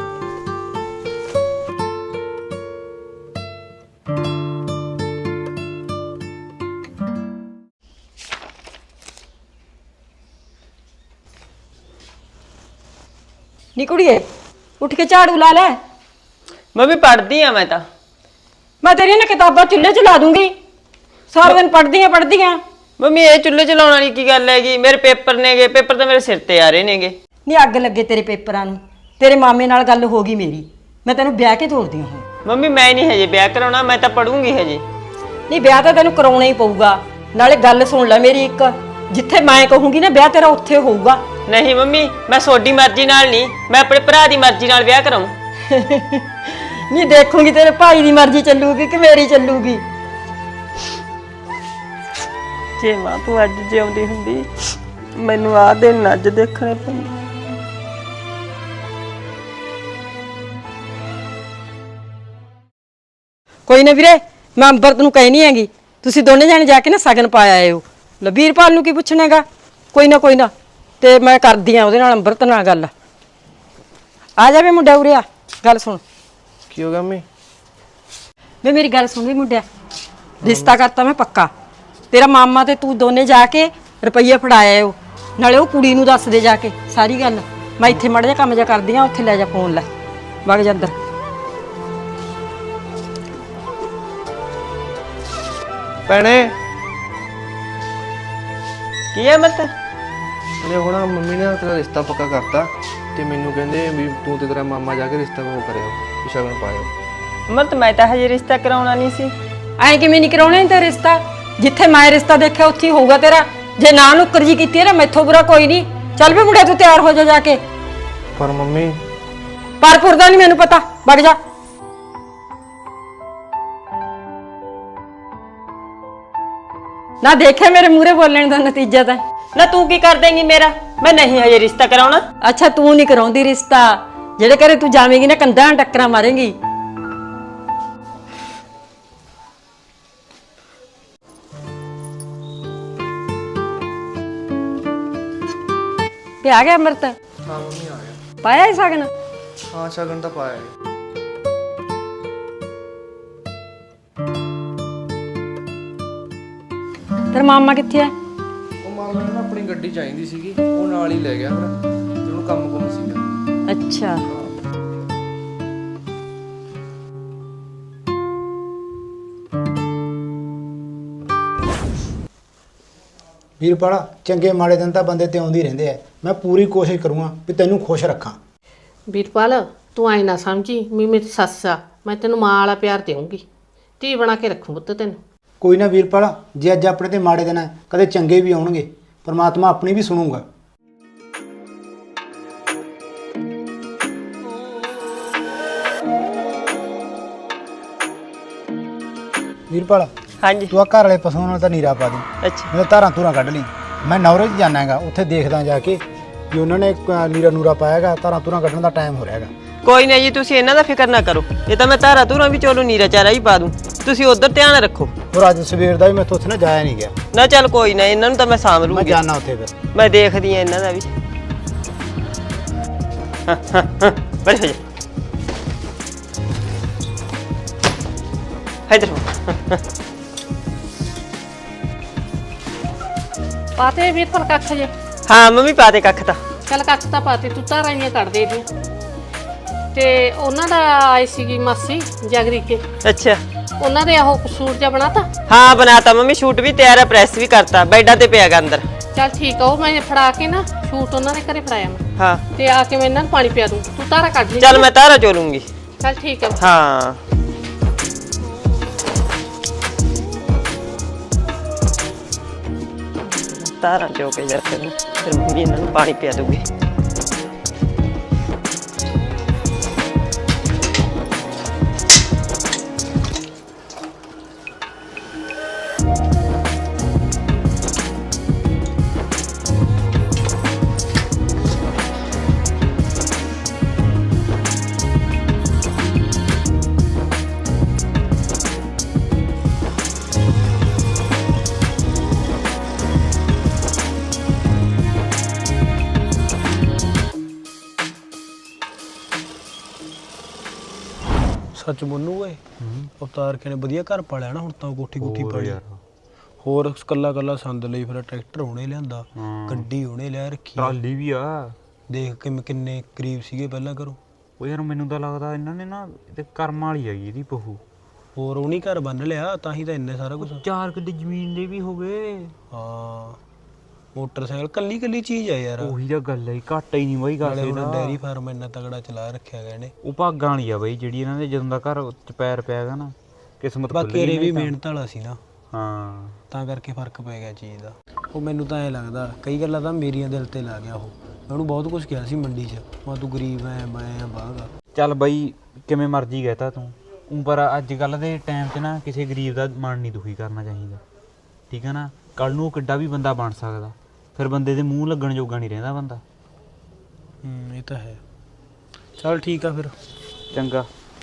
S1: ਨੀ ਕੁੜੀਏ,
S8: ਉੱਠ ਕੇ ਝਾੜੂ ਲਾ ਲੈ।
S1: ਮੰਮੀ ਪੜ੍ਹਦੀ ਆ ਮੈਂ ਤਾਂ।
S8: ਮੈਂ ਤੇਰੀਆਂ ਨਾ ਕਿਤਾਬਾਂ ਚੁੱਲ੍ਹੇ 'ਚ ਲਾ ਦੂੰਗੀ। ਸਾਰਾ ਦਿਨ ਪੜ੍ਹਦੀ ਆ।
S1: ਮੰਮੀ ਇਹ ਚੁੱਲ੍ਹੇ ਚਲਾਉਣ ਵਾਲੀ ਕੀ ਗੱਲ ਹੈਗੀ? ਮੇਰੇ ਪੇਪਰ ਨੇਗੇ, ਪੇਪਰ ਤਾਂ ਮੇਰੇ ਸਿਰ ਤੇ ਆ ਰਹੇ ਨੇਗੇ।
S8: ਨਹੀਂ ਅੱਗ ਲੱਗੇ ਤੇਰੇ ਪੇਪਰਾਂ ਨੂੰ। ਤੇਰੇ ਮਾਮੇ ਨਾਲ ਗੱਲ ਹੋ ਗਈ ਮੇਰੀ, ਮੈਂ ਤੈਨੂੰ ਵਿਆਹ ਕੇ ਤੋਰਦੀ ਹਾਂ।
S1: ਮੰਮੀ ਮੈਂ ਨਹੀਂ ਹਜੇ ਵਿਆਹ ਕਰਾਉਣਾ, ਮੈਂ ਤਾਂ ਪੜੂੰਗੀ ਹਜੇ।
S8: ਨਹੀਂ ਵਿਆਹ ਤਾਂ ਤੈਨੂੰ ਕਰਾਉਣਾ ਹੀ ਪਊਗਾ। ਨਾਲੇ ਗੱਲ ਸੁਣ ਲੈ ਮੇਰੀ ਇੱਕ, ਜਿੱਥੇ ਮੈਂ ਕਹੂੰਗੀ ਨਾ ਵਿਆਹ ਤੇਰਾ ਉੱਥੇ ਹੋਊਗਾ।
S1: ਨਹੀਂ ਮੰਮੀ, ਮੈਂ ਤੁਹਾਡੀ ਮਰਜ਼ੀ ਨਾਲ ਨਹੀਂ, ਮੈਂ ਆਪਣੇ ਭਰਾ ਦੀ ਮਰਜ਼ੀ ਨਾਲ ਵਿਆਹ ਕਰਾਉਂ।
S8: ਨਹੀਂ ਦੇਖੂੰਗੀ ਤੇਰੇ ਭਾਈ ਦੀ ਮਰਜ਼ੀ ਚੱਲੂਗੀ ਕਿ ਮੇਰੀ ਚੱਲੂਗੀ।
S1: ਜੇ ਮਾਂ ਤੂੰ ਅੱਜ ਜਿਉਂਦੀ ਹੁੰਦੀ, ਮੈਨੂੰ ਆਹ ਦਿਨ ਅੱਜ ਦੇਖਣੇ ਪੈਂਦੇ।
S8: ਕੋਈ ਨਾ ਵੀਰੇ, ਮੈਂ ਅੰਬਰਤ ਨੂੰ ਕਹਿਣੀ ਹੈਗੀ, ਤੁਸੀਂ ਦੋਨੇ ਜਾਣੇ ਜਾ ਕੇ ਨਾ ਸ਼ਗਨ ਪਾ ਆਇਓ। ਲੈ ਵੀਰਪਾਲ ਨੂੰ ਕੀ ਪੁੱਛਣਾਗਾ? ਕੋਈ ਨਾ ਤੇ ਮੈਂ ਕਰਦੀ ਆ ਉਹਦੇ ਨਾਲ, ਅੰਬਰਤ ਨਾਲ ਗੱਲ। ਆ ਜਾਵੇ ਮੁੰਡਾ ਉਰੇ ਆ, ਗੱਲ ਸੁਣ।
S7: ਕੀ ਹੋ ਗਿਆ ਮੰਮੀ?
S8: ਵੇ ਮੇਰੀ ਗੱਲ ਸੁਣ ਵੀ ਮੁੰਡਿਆ, ਰਿਸ਼ਤਾ ਕਰਤਾ ਮੈਂ ਪੱਕਾ। ਤੇਰਾ ਮਾਮਾ ਤੇ ਤੂੰ ਦੋਨੇ ਜਾ ਕੇ ਰੁਪਈਏ ਫੜਾ ਆਇਓ, ਨਾਲੇ ਉਹ ਕੁੜੀ ਨੂੰ ਦੱਸ ਦੇ ਜਾ ਕੇ ਸਾਰੀ ਗੱਲ। ਮੈਂ ਇੱਥੇ ਮਾੜਾ ਜਿਹਾ ਕੰਮ ਜਿਹਾ ਕਰਦੀ ਆ, ਉੱਥੇ ਲੈ ਜਾ ਫੋਨ, ਲੈ ਵਗ ਜਾ ਅੰਦਰ।
S7: ਭੈਣੇ
S1: ਕੀ ਹੈ ਮਤ?
S7: ਨੇ ਹੁਣ ਮੰਮੀ ਨੇ ਤੇਰਾ ਰਿਸ਼ਤਾ ਪੱਕਾ ਕਰਤਾ ਤੇ ਮੈਨੂੰ ਕਹਿੰਦੇ ਵੀ ਤੂੰ ਤੇ ਤੇਰਾ ਮਾਮਾ ਜਾ ਕੇ ਰਿਸ਼ਤਾ ਉਹ ਕਰਿਓ, ਸ਼ਗਨ ਪਾਇਓ।
S1: ਮਤ ਮੈਂ ਤਾਂ ਹਜੇ ਰਿਸ਼ਤਾ ਕਰਾਉਣਾ ਨਹੀਂ ਸੀ।
S8: ਐਂ ਕਿਵੇਂ ਨਹੀਂ ਕਰਾਉਣਾ ਤੇ ਰਿਸ਼ਤਾ? ਜਿੱਥੇ ਮੈਂ ਰਿਸ਼ਤਾ ਦੇਖਿਆ ਉੱਥੇ ਹੀ ਹੋਊਗਾ ਤੇਰਾ। ਜੇ ਨਾ ਨੁੱਕਰ ਜੀ ਕੀਤੀ ਨਾ, ਮੈਥੋਂ ਬੁਰਾ ਕੋਈ ਨਹੀਂ। ਚੱਲ ਵੀ ਮੁੰਡਿਆ ਤੂੰ ਤਿਆਰ ਹੋ ਜਾ ਕੇ।
S7: ਪਰ ਮੰਮੀ
S8: ਪਰਪੁਰ ਦਾ ਨਹੀਂ ਮੈਨੂੰ ਪਤਾ, ਵਗ ਜਾ। ਨਾ ਦੇਖਿਆ ਮੇਰੇ ਮੂਹਰੇ ਬੋਲਣ ਦਾ ਨਤੀਜਾ ਤਾਂ।
S1: ਨਾ ਤੂੰ ਕੀ ਕਰ ਦੇਂਗੀ ਮੇਰਾ? ਮੈਂ ਨਹੀਂ ਹਜੇ ਰਿਸ਼ਤਾ ਕਰਾਉਣਾ।
S8: ਅੱਛਾ ਤੂੰ ਨਹੀਂ ਕਰਾਉਂਦੀ ਰਿਸ਼ਤਾ, ਜਿਹੜੇ ਘਰੇ ਤੂੰ ਜਾਵੇਂਗੀ ਨਾ ਕੰਧਾਂ ਟੱਕਰਾਂ ਮਾਰੇਂਗੀ। ਤੇ ਆ ਗਿਆ ਅਮਰਤ?
S7: ਹਾਂ ਮੰਮੀ ਆ ਗਿਆ।
S8: ਪਾਇਆ ਹੀ ਸ਼ਗਨ?
S7: ਹਾਂ ਸ਼ਗਨ ਤਾਂ ਪਾਇਆ ਹੈ।
S8: ਤੇਰਾ ਮਾਮਾ ਕਿੱਥੇ ਹੈ?
S7: ਉਹ ਮਾਮਾ ਨੂੰ ਨਾ ਆਪਣੀ ਗੱਡੀ ਚਾਹੀਦੀ ਸੀਗੀ, ਉਹ ਨਾਲ ਹੀ ਲੈ ਗਿਆ ਫਿਰ, ਤੇ ਉਹਨੂੰ ਕੰਮ ਸੀਗਾ।
S8: ਅੱਛਾ
S5: ਵੀਰਪਾਲ, ਚੰਗੇ ਮਾੜੇ ਦਿਨ ਤਾਂ ਬੰਦੇ ਤੇ ਆਉਂਦੇ ਹੀ ਰਹਿੰਦੇ ਆ। ਮੈਂ ਪੂਰੀ ਕੋਸ਼ਿਸ਼ ਕਰੂੰਗਾ ਵੀ ਤੈਨੂੰ ਖੁਸ਼ ਰੱਖਾਂ।
S2: ਵੀਰਪਾਲ ਤੂੰ ਆਏ ਨਾ ਸਮਝੀ ਵੀ ਮੇਰੀ ਸੱਸ ਆ, ਮੈਂ ਤੈਨੂੰ ਮਾਂ ਵਾਲਾ ਪਿਆਰ ਦੇਵਾਂਗੀ, ਧੀ ਬਣਾ ਕੇ ਰੱਖੂ ਪੁੱਤ ਤੈਨੂੰ।
S5: ਕੋਈ ਨਾ ਵੀਰਪਾਲ, ਜੇ ਅੱਜ ਆਪਣੇ ਤੇ ਮਾੜੇ ਦਿਨ ਆ, ਕਦੇ ਚੰਗੇ ਵੀ ਆਉਣਗੇ। ਪਰਮਾਤਮਾ ਆਪਣੀ ਵੀ ਸੁਣੂਗਾ। ਵੀਰਪਾਲ,
S1: ਹਾਂਜੀ।
S5: ਤੂੰ ਆ ਘਰ ਵਾਲੇ ਪਸ਼ੂਆਂ ਨਾਲ ਤਾਂ ਨੀਰਾ ਪਾ ਦੇ।
S1: ਅੱਛਾ
S5: ਮੈਂ ਧਾਰਾਂ ਧੂਰਾਂ ਕੱਢ ਲਈ। ਮੈਂ ਨੌਰੇ 'ਚ ਜਾਣਾ ਹੈਗਾ, ਉੱਥੇ ਦੇਖਦਾ ਜਾ ਕੇ ਵੀ ਉਹਨਾਂ ਨੇ ਨੀਰਾ ਨੂਰਾ ਪਾਇਆਗਾ। ਧਾਰਾਂ ਧੂਰਾਂ ਕੱਢਣ ਦਾ ਟਾਈਮ ਹੋ ਰਿਹਾ ਹੈਗਾ।
S1: ਕੋਈ ਨਾ ਜੀ, ਤੁਸੀਂ ਇਹਨਾਂ ਦਾ ਫਿਕਰ ਨਾ ਕਰੋ। ਇਹ ਤਾਂ ਮੈਂ ਧਾਰਾ ਧੂਰਾਂ ਵੀ ਚੋਲੂ ਨੀਰਾ ਚਾਰਾ ਹੀ ਪਾ ਦੂੰ, ਤੁਸੀਂ ਉਧਰ ਧਿਆਨ ਰੱਖੋ।
S5: ਹੋਰ ਅੱਜ ਸਵੇਰ ਦਾ ਵੀ ਮੈਂ ਉੱਥੇ ਨਾ ਜਾਇਆ ਨਹੀਂ ਗਿਆ।
S1: ਨਾ ਚੱਲ ਕੋਈ ਨਾ, ਇਹਨਾਂ ਨੂੰ ਤਾਂ ਮੈਂ ਸਾਂਭ
S5: ਮੈਂ
S1: ਲੂੰਗੀ।
S5: ਜਾਣਾ ਉੱਥੇ ਫਿਰ।
S1: ਮੈਂ ਦੇਖਦੀ ਆ ਇਹਨਾਂ ਦਾ ਵੀ। ਬੜੇ ਹੋ ਜਾ ਇਧਰ।
S2: ਪਾਤੇ ਵੀਰਪਾਲ ਕੱਖ ਜੇ?
S1: ਹਾਂ ਮੰਮੀ ਪਾ ਦੇ ਕੱਖ ਤਾਂ।
S2: ਚੱਲ ਕੱਖ ਤਾਂ ਪਾਤੇ, ਤੂੰ ਤਾਂ ਰਾਈਆਂ ਕੱਢ ਦੇ ਇਹਦੀਆਂ। ਤੇ ਉਹਨਾਂ ਦਾ ਆਈ ਸੀਗੀ ਮਾਸੀ ਜਗਰੀ ਕੇ,
S1: ਅੱਛਾ
S2: ਉਹਨਾਂ ਦੇ ਉਹ ਸੂਟ ਜਿਹਾ ਬਣਾਤਾ?
S1: ਹਾਂ ਬਣਾਤਾ ਮੰਮੀ, ਸ਼ੂਟ ਵੀ ਤਿਆਰ ਹੈ, ਪ੍ਰੈਸ ਵੀ ਕਰਤਾ, ਬੈਡਾਂ ਤੇ ਪਿਆਗਾ ਅੰਦਰ।
S2: ਚੱਲ ਠੀਕ ਆ, ਉਹ ਮੈਂ ਫੜਾ ਕੇ ਨਾ ਸੂਟ ਉਹਨਾਂ ਦੇ ਘਰੇ ਫੜਾਇਆ ਮੈਂ,
S1: ਹਾਂ
S2: ਤੇ ਆ ਕੇ ਮੈਂ ਇਹਨਾਂ ਨੂੰ ਪਾਣੀ ਪਿਆ ਦੂੰ, ਤੂੰ ਧਾਰਾ ਕੱਢ ਲਈ।
S1: ਚੱਲ ਮੈਂ ਧਾਰਾ ਚੋਲੂੰਗੀ।
S2: ਚੱਲ ਠੀਕ ਆ।
S1: ਹਾਂ ਧਾਰਾ ਚੋ ਕੇ ਜਾ ਕੇ ਫਿਰ ਮੰਮੀ ਇਹਨਾਂ ਨੂੰ ਪਾਣੀ ਪਿਆ ਦੂਗੀ।
S3: ਸੱਚ ਬੋਲੂ ਓਏ, ਅਵਤਾਰ ਕੇ ਨੇ ਵਧੀਆ ਘਰ ਪਾ ਲਿਆ ਨਾ ਹੁਣ ਤਾਂ। ਕੋਠੀ ਕੋਠੀ ਪਾਈ, ਹੋਰ ਕੱਲਾ ਕੱਲਾ ਸੰਦ ਲਈ ਫਿਰ ਟਰੈਕਟਰ ਉਹਨੇ ਲਿਆਂਦਾ, ਗੱਡੀ ਉਹਨੇ ਲਿਆ ਰੱਖੀ,
S4: ਟਰਾਲੀ ਵੀ ਆ।
S3: ਦੇਖ ਕਿੰਨੇ ਕਰੀਬ ਸੀਗੇ ਪਹਿਲਾਂ ਘਰੋਂ।
S4: ਉਹ ਯਾਰ ਮੈਨੂੰ ਤਾਂ ਲੱਗਦਾ ਇਹਨਾਂ ਨੇ ਨਾ ਤੇ ਕਰਮ ਵਾਲੀ ਹੈਗੀ ਇਹਦੀ ਬਹੂ।
S3: ਹੋਰ ਉਹ ਨਹੀਂ ਘਰ ਬੰਨ ਲਿਆ ਤਾਂ ਹੀ ਤਾਂ ਇੰਨੇ ਸਾਰਾ ਕੁਝ।
S4: 4 ਕਿੱਲੇ ਜ਼ਮੀਨ ਦੇ ਵੀ ਹੋ ਗਏ।
S3: ਹਾਂ ਮੋਟਰਸਾਈਕਲ ਕੱਲੀ ਕੱਲੀ ਚੀਜ਼ ਆ ਯਾਰ।
S4: ਉਹੀ ਤਾਂ ਗੱਲ ਹੈ, ਘਾਟਾ ਹੀ ਨਹੀਂ ਬਾਈ
S3: ਨਾਲੇ
S4: ਕਰਦੇ
S3: ਹੁਣ
S4: ਦਾ।
S3: ਡੈਰੀ ਫਾਰਮ ਇੰਨਾ ਤਗੜਾ ਚਲਾ ਰੱਖਿਆ ਗਿਆ ਇਹਨੇ।
S4: ਉਹ ਭਾਗਾਂ ਵਾਲੀ ਆ ਬਾਈ ਜਿਹੜੀ ਇਹਨਾਂ ਦੇ ਜਦੋਂ ਦਾ ਘਰ ਚ ਪੈਰ ਪਿਆ ਗਾ ਨਾ, ਕਿਸਮਤ ਖੁੱਲ
S3: ਬਾਕੀ
S4: ਗਈ
S3: ਇਹ ਵੀ
S4: ਨਹੀਂ ਤਾਂ।
S3: ਮਿਹਨਤ ਵਾਲਾ ਸੀ ਨਾ,
S4: ਹਾਂ
S3: ਤਾਂ ਕਰਕੇ ਫਰਕ ਪੈ ਗਿਆ ਚੀਜ਼ ਦਾ। ਉਹ ਮੈਨੂੰ ਤਾਂ ਐਂ ਲੱਗਦਾ ਕਈ ਗੱਲਾਂ ਤਾਂ ਮੇਰੀਆਂ ਦਿਲ ਤੇ ਲਾ ਗਿਆ ਉਹ। ਮੈਂ ਉਹਨੂੰ ਬਹੁਤ ਕੁਝ ਕਿਹਾ ਸੀ ਮੰਡੀ 'ਚ, ਮੈਂ ਤੂੰ ਗਰੀਬ ਐ ਮੈਂ ਆ ਬਾਗਾ।
S4: ਚੱਲ ਬਾਈ ਕਿਵੇਂ ਮਰਜ਼ੀ ਕਹਿਤਾ ਤੂੰ, ਪਰ ਅੱਜ ਕੱਲ ਦੇ ਟਾਈਮ 'ਚ ਨਾ ਕਿਸੇ ਗਰੀਬ ਦਾ ਮਨ ਨਹੀਂ ਦੁਖੀ ਕਰਨਾ ਚਾਹੀਦਾ, ਠੀਕ ਹੈ ਨਾ। ਕੱਲ ਨੂੰ ਕਿੱਡਾ ਵੀ ਬੰਦਾ ਬਣ ਸਕਦਾ, ਫਿਰ ਬੰਦੇ ਦੇ ਮੂੰਹ ਲੱਗਣ ਜੋਗਾ ਨਹੀਂ ਰਹਿੰਦਾ ਬੰਦਾ।
S3: ਇਹ ਤਾਂ ਹੈ। ਚੱਲ ਠੀਕ ਆ ਫਿਰ।
S4: ਚੰਗਾ।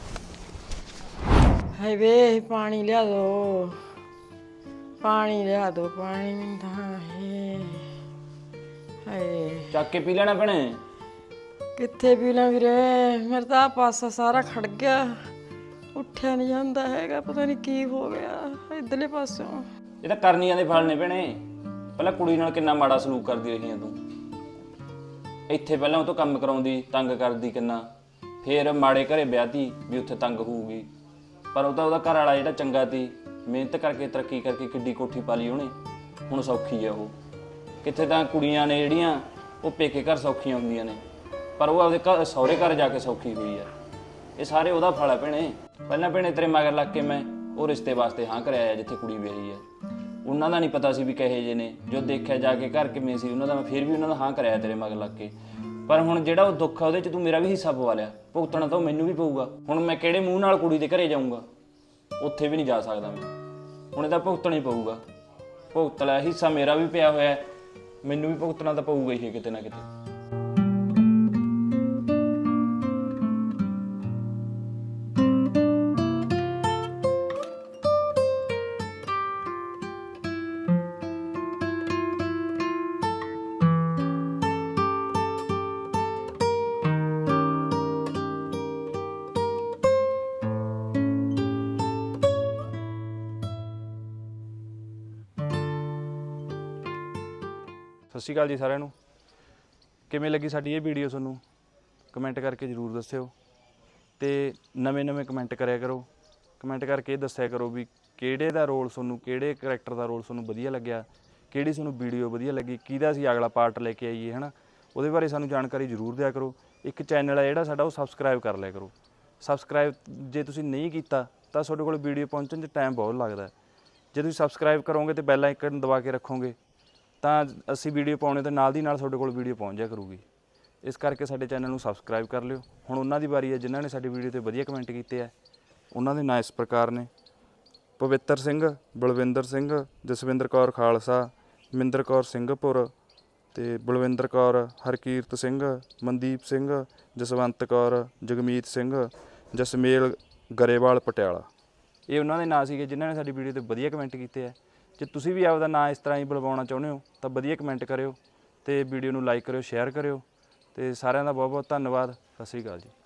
S8: ਹਾਏ ਵੇ ਪਾਣੀ ਲਿਆ ਦੋ, ਪਾਣੀ ਲਿਆ ਦੋ, ਪਾਣੀ ਮਿੰਦਾ ਹੈ। ਹਾਏ
S4: ਚੱਕ ਕੇ ਪੀ ਲੈਣਾ ਭੈਣੇ।
S8: ਕਿੱਥੇ ਪੀ ਲਾਂ ਵੀਰੇ, ਮੇਰਾ ਤਾਂ ਆਹ ਪਾਸਾ ਸਾਰਾ ਖੜ ਗਿਆ, ਉੱਠਿਆ ਨਹੀਂ ਜਾਂਦਾ ਹੈਗਾ, ਪਤਾ ਨਹੀਂ ਕੀ ਹੋ ਗਿਆ ਇਧਰਲੇ ਪਾਸਿਓਂ।
S9: ਇਹ ਤਾਂ ਕਰਨੀਆਂ ਦੇ ਫਲ ਨੇ ਭੈਣੇ। ਪਹਿਲਾਂ ਕੁੜੀ ਨਾਲ ਕਿੰਨਾ ਮਾੜਾ ਸਲੂਕ ਕਰਦੀ ਰਹੀ ਆ ਤੂੰ। ਇੱਥੇ ਪਹਿਲਾਂ ਉਹ ਤੋਂ ਕੰਮ ਕਰਾਉਂਦੀ, ਤੰਗ ਕਰਦੀ ਕਿੰਨਾ, ਫੇਰ ਮਾੜੇ ਘਰੇ ਵਿਆਹਤੀ ਵੀ ਉੱਥੇ ਤੰਗ ਹੋਊਗੀ। ਪਰ ਉਹ ਤਾਂ ਉਹਦਾ ਘਰ ਵਾਲਾ ਜਿਹੜਾ ਚੰਗਾ ਸੀ, ਮਿਹਨਤ ਕਰਕੇ ਤਰੱਕੀ ਕਰਕੇ ਕਿੱਡੀ ਕੋਠੀ ਪਾ ਲਈ ਉਹਨੇ, ਹੁਣ ਸੌਖੀ ਆ ਉਹ। ਕਿੱਥੇ ਤਾਂ ਕੁੜੀਆਂ ਨੇ ਜਿਹੜੀਆਂ ਉਹ ਪੇਕੇ ਘਰ ਸੌਖੀਆਂ ਹੁੰਦੀਆਂ ਨੇ, ਪਰ ਉਹ ਆਪਦੇ ਘਰ ਸਹੁਰੇ ਘਰ ਜਾ ਕੇ ਸੌਖੀ ਹੋਈ ਆ। ਇਹ ਸਾਰੇ ਉਹਦਾ ਫਲ ਆ ਭੈਣੇ। ਪਹਿਲਾਂ ਭੈਣੇ ਤੇਰੇ ਮਗਰ ਲੱਗ ਕੇ ਮੈਂ ਉਹ ਰਿਸ਼ਤੇ ਵਾਸਤੇ ਹਾਂ ਕਰਿਆ ਜਿੱਥੇ ਕੁੜੀ ਵਿਆਹੀ ਆ। ਉਹਨਾਂ ਦਾ ਨਹੀਂ ਪਤਾ ਸੀ ਵੀ ਕਹੇ ਜੇ ਨੇ, ਜੋ ਦੇਖਿਆ ਜਾ ਕੇ ਘਰ ਕਿਵੇਂ ਸੀ ਉਹਨਾਂ ਦਾ, ਮੈਂ ਫਿਰ ਵੀ ਉਹਨਾਂ ਦਾ ਹਾਂ ਕਰਿਆ ਤੇਰੇ ਮਗਰ ਲੱਗ ਕੇ। ਪਰ ਹੁਣ ਜਿਹੜਾ ਉਹ ਦੁੱਖ ਆ ਉਹਦੇ 'ਚ ਤੂੰ ਮੇਰਾ ਵੀ ਹਿੱਸਾ ਪਵਾ ਲਿਆ, ਭੁਗਤਣਾ ਤਾਂ ਉਹ ਮੈਨੂੰ ਵੀ ਪਊਗਾ। ਹੁਣ ਮੈਂ ਕਿਹੜੇ ਮੂੰਹ ਨਾਲ ਕੁੜੀ ਦੇ ਘਰੇ ਜਾਊਂਗਾ, ਉੱਥੇ ਵੀ ਨਹੀਂ ਜਾ ਸਕਦਾ ਮੈਂ। ਹੁਣ ਇਹਦਾ ਭੁਗਤਣਾ ਹੀ ਪਊਗਾ। ਭੁਗਤ ਲਿਆ, ਹਿੱਸਾ ਮੇਰਾ ਵੀ ਪਿਆ ਹੋਇਆ, ਮੈਨੂੰ ਵੀ ਭੁਗਤਣਾ ਤਾਂ ਪਊਗਾ ਹੀ ਕਿਤੇ ਨਾ ਕਿਤੇ। ਸਤਿ ਸ਼੍ਰੀ ਅਕਾਲ ਜੀ ਸਾਰਿਆਂ ਨੂੰ। ਕਿਵੇਂ ਲੱਗੀ ਸਾਡੀ ਇਹ ਵੀਡੀਓ ਤੁਹਾਨੂੰ, ਕਮੈਂਟ ਕਰਕੇ ਜ਼ਰੂਰ ਦੱਸਿਓ। ਤੇ ਨਵੇਂ ਕਮੈਂਟ ਕਰਿਆ ਕਰੋ, ਕਮੈਂਟ ਕਰਕੇ ਇਹ ਦੱਸਿਆ ਕਰੋ ਵੀ ਕਿਹੜੇ ਦਾ ਰੋਲ ਤੁਹਾਨੂੰ, ਕਿਹੜੇ ਕਰੈਕਟਰ ਦਾ ਰੋਲ ਤੁਹਾਨੂੰ ਵਧੀਆ ਲੱਗਿਆ, ਕਿਹੜੀ ਤੁਹਾਨੂੰ ਵੀਡੀਓ ਵਧੀਆ ਲੱਗੀ, ਕਿਹਦਾ ਅਸੀਂ ਅਗਲਾ ਪਾਰਟ ਲੈ ਕੇ ਆਈਏ, ਹੈ ਨਾ। ਉਹਦੇ ਬਾਰੇ ਸਾਨੂੰ ਜਾਣਕਾਰੀ ਜ਼ਰੂਰ ਦਿਆ ਕਰੋ। ਇੱਕ ਚੈਨਲ ਹੈ ਜਿਹੜਾ ਸਾਡਾ, ਉਹ ਸਬਸਕ੍ਰਾਈਬ ਕਰ ਲਿਆ ਕਰੋ। ਸਬਸਕ੍ਰਾਈਬ ਜੇ ਤੁਸੀਂ ਨਹੀਂ ਕੀਤਾ ਤਾਂ ਤੁਹਾਡੇ ਕੋਲ ਵੀਡੀਓ ਪਹੁੰਚਣ 'ਚ ਟਾਈਮ ਬਹੁਤ ਲੱਗਦਾ। ਜੇ ਤੁਸੀਂ ਸਬਸਕ੍ਰਾਈਬ ਕਰੋਗੇ ਤੇ ਬੈਲ ਆਈਕਨ ਦਬਾ ਕੇ ਰੱਖੋਗੇ ਤਾਂ ਅਸੀਂ ਵੀਡੀਓ ਪਾਉਣੇ ਤੇ ਨਾਲ ਦੀ ਨਾਲ ਤੁਹਾਡੇ ਕੋਲ ਵੀਡੀਓ ਪਹੁੰਚ ਜਾ ਕਰੂਗੀ। ਇਸ ਕਰਕੇ ਸਾਡੇ ਚੈਨਲ ਨੂੰ ਸਬਸਕ੍ਰਾਈਬ ਕਰ ਲਿਓ। ਹੁਣ ਉਹਨਾਂ ਦੀ ਵਾਰੀ ਹੈ ਜਿਨ੍ਹਾਂ ਨੇ ਸਾਡੀ ਵੀਡੀਓ ਤੇ ਵਧੀਆ ਕਮੈਂਟ ਕੀਤੇ ਆ। ਉਹਨਾਂ ਦੇ ਨਾਂ ਇਸ ਪ੍ਰਕਾਰ ਨੇ: ਪਵਿੱਤਰ ਸਿੰਘ, ਬਲਵਿੰਦਰ ਸਿੰਘ, ਜਸਵਿੰਦਰ ਕੌਰ ਖਾਲਸਾ, ਮਿੰਦਰ ਕੌਰ ਸਿੰਘਪੁਰ ਤੇ ਬਲਵਿੰਦਰ ਕੌਰ, ਹਰਕੀਰਤ ਸਿੰਘ, ਮਨਦੀਪ ਸਿੰਘ, ਜਸਵੰਤ ਕੌਰ, ਜਗਮੀਤ ਸਿੰਘ, ਜਸਮੇਲ ਗਰੇਵਾਲ ਪਟਿਆਲਾ। ਇਹ ਉਹਨਾਂ ਦੇ ਨਾਂ ਸੀਗੇ ਜਿਨ੍ਹਾਂ ਨੇ ਸਾਡੀ ਵੀਡੀਓ ਤੇ ਵਧੀਆ ਕਮੈਂਟ ਕੀਤੇ ਆ। ਜੇ ਤੁਸੀਂ ਵੀ ਆਪਦਾ ਨਾਂ ਇਸ ਤਰ੍ਹਾਂ ਹੀ ਬੁਲਵਾਉਣਾ ਚਾਹੁੰਦੇ ਹੋ ਤਾਂ ਵਧੀਆ ਕਮੈਂਟ ਕਰਿਓ ਤੇ ਵੀਡੀਓ ਨੂੰ ਲਾਈਕ ਕਰਿਓ, ਸ਼ੇਅਰ ਕਰਿਓ। ਤੇ ਸਾਰਿਆਂ ਦਾ ਬਹੁਤ ਬਹੁਤ ਧੰਨਵਾਦ। ਸਤਿ ਸ਼੍ਰੀ ਅਕਾਲ ਜੀ।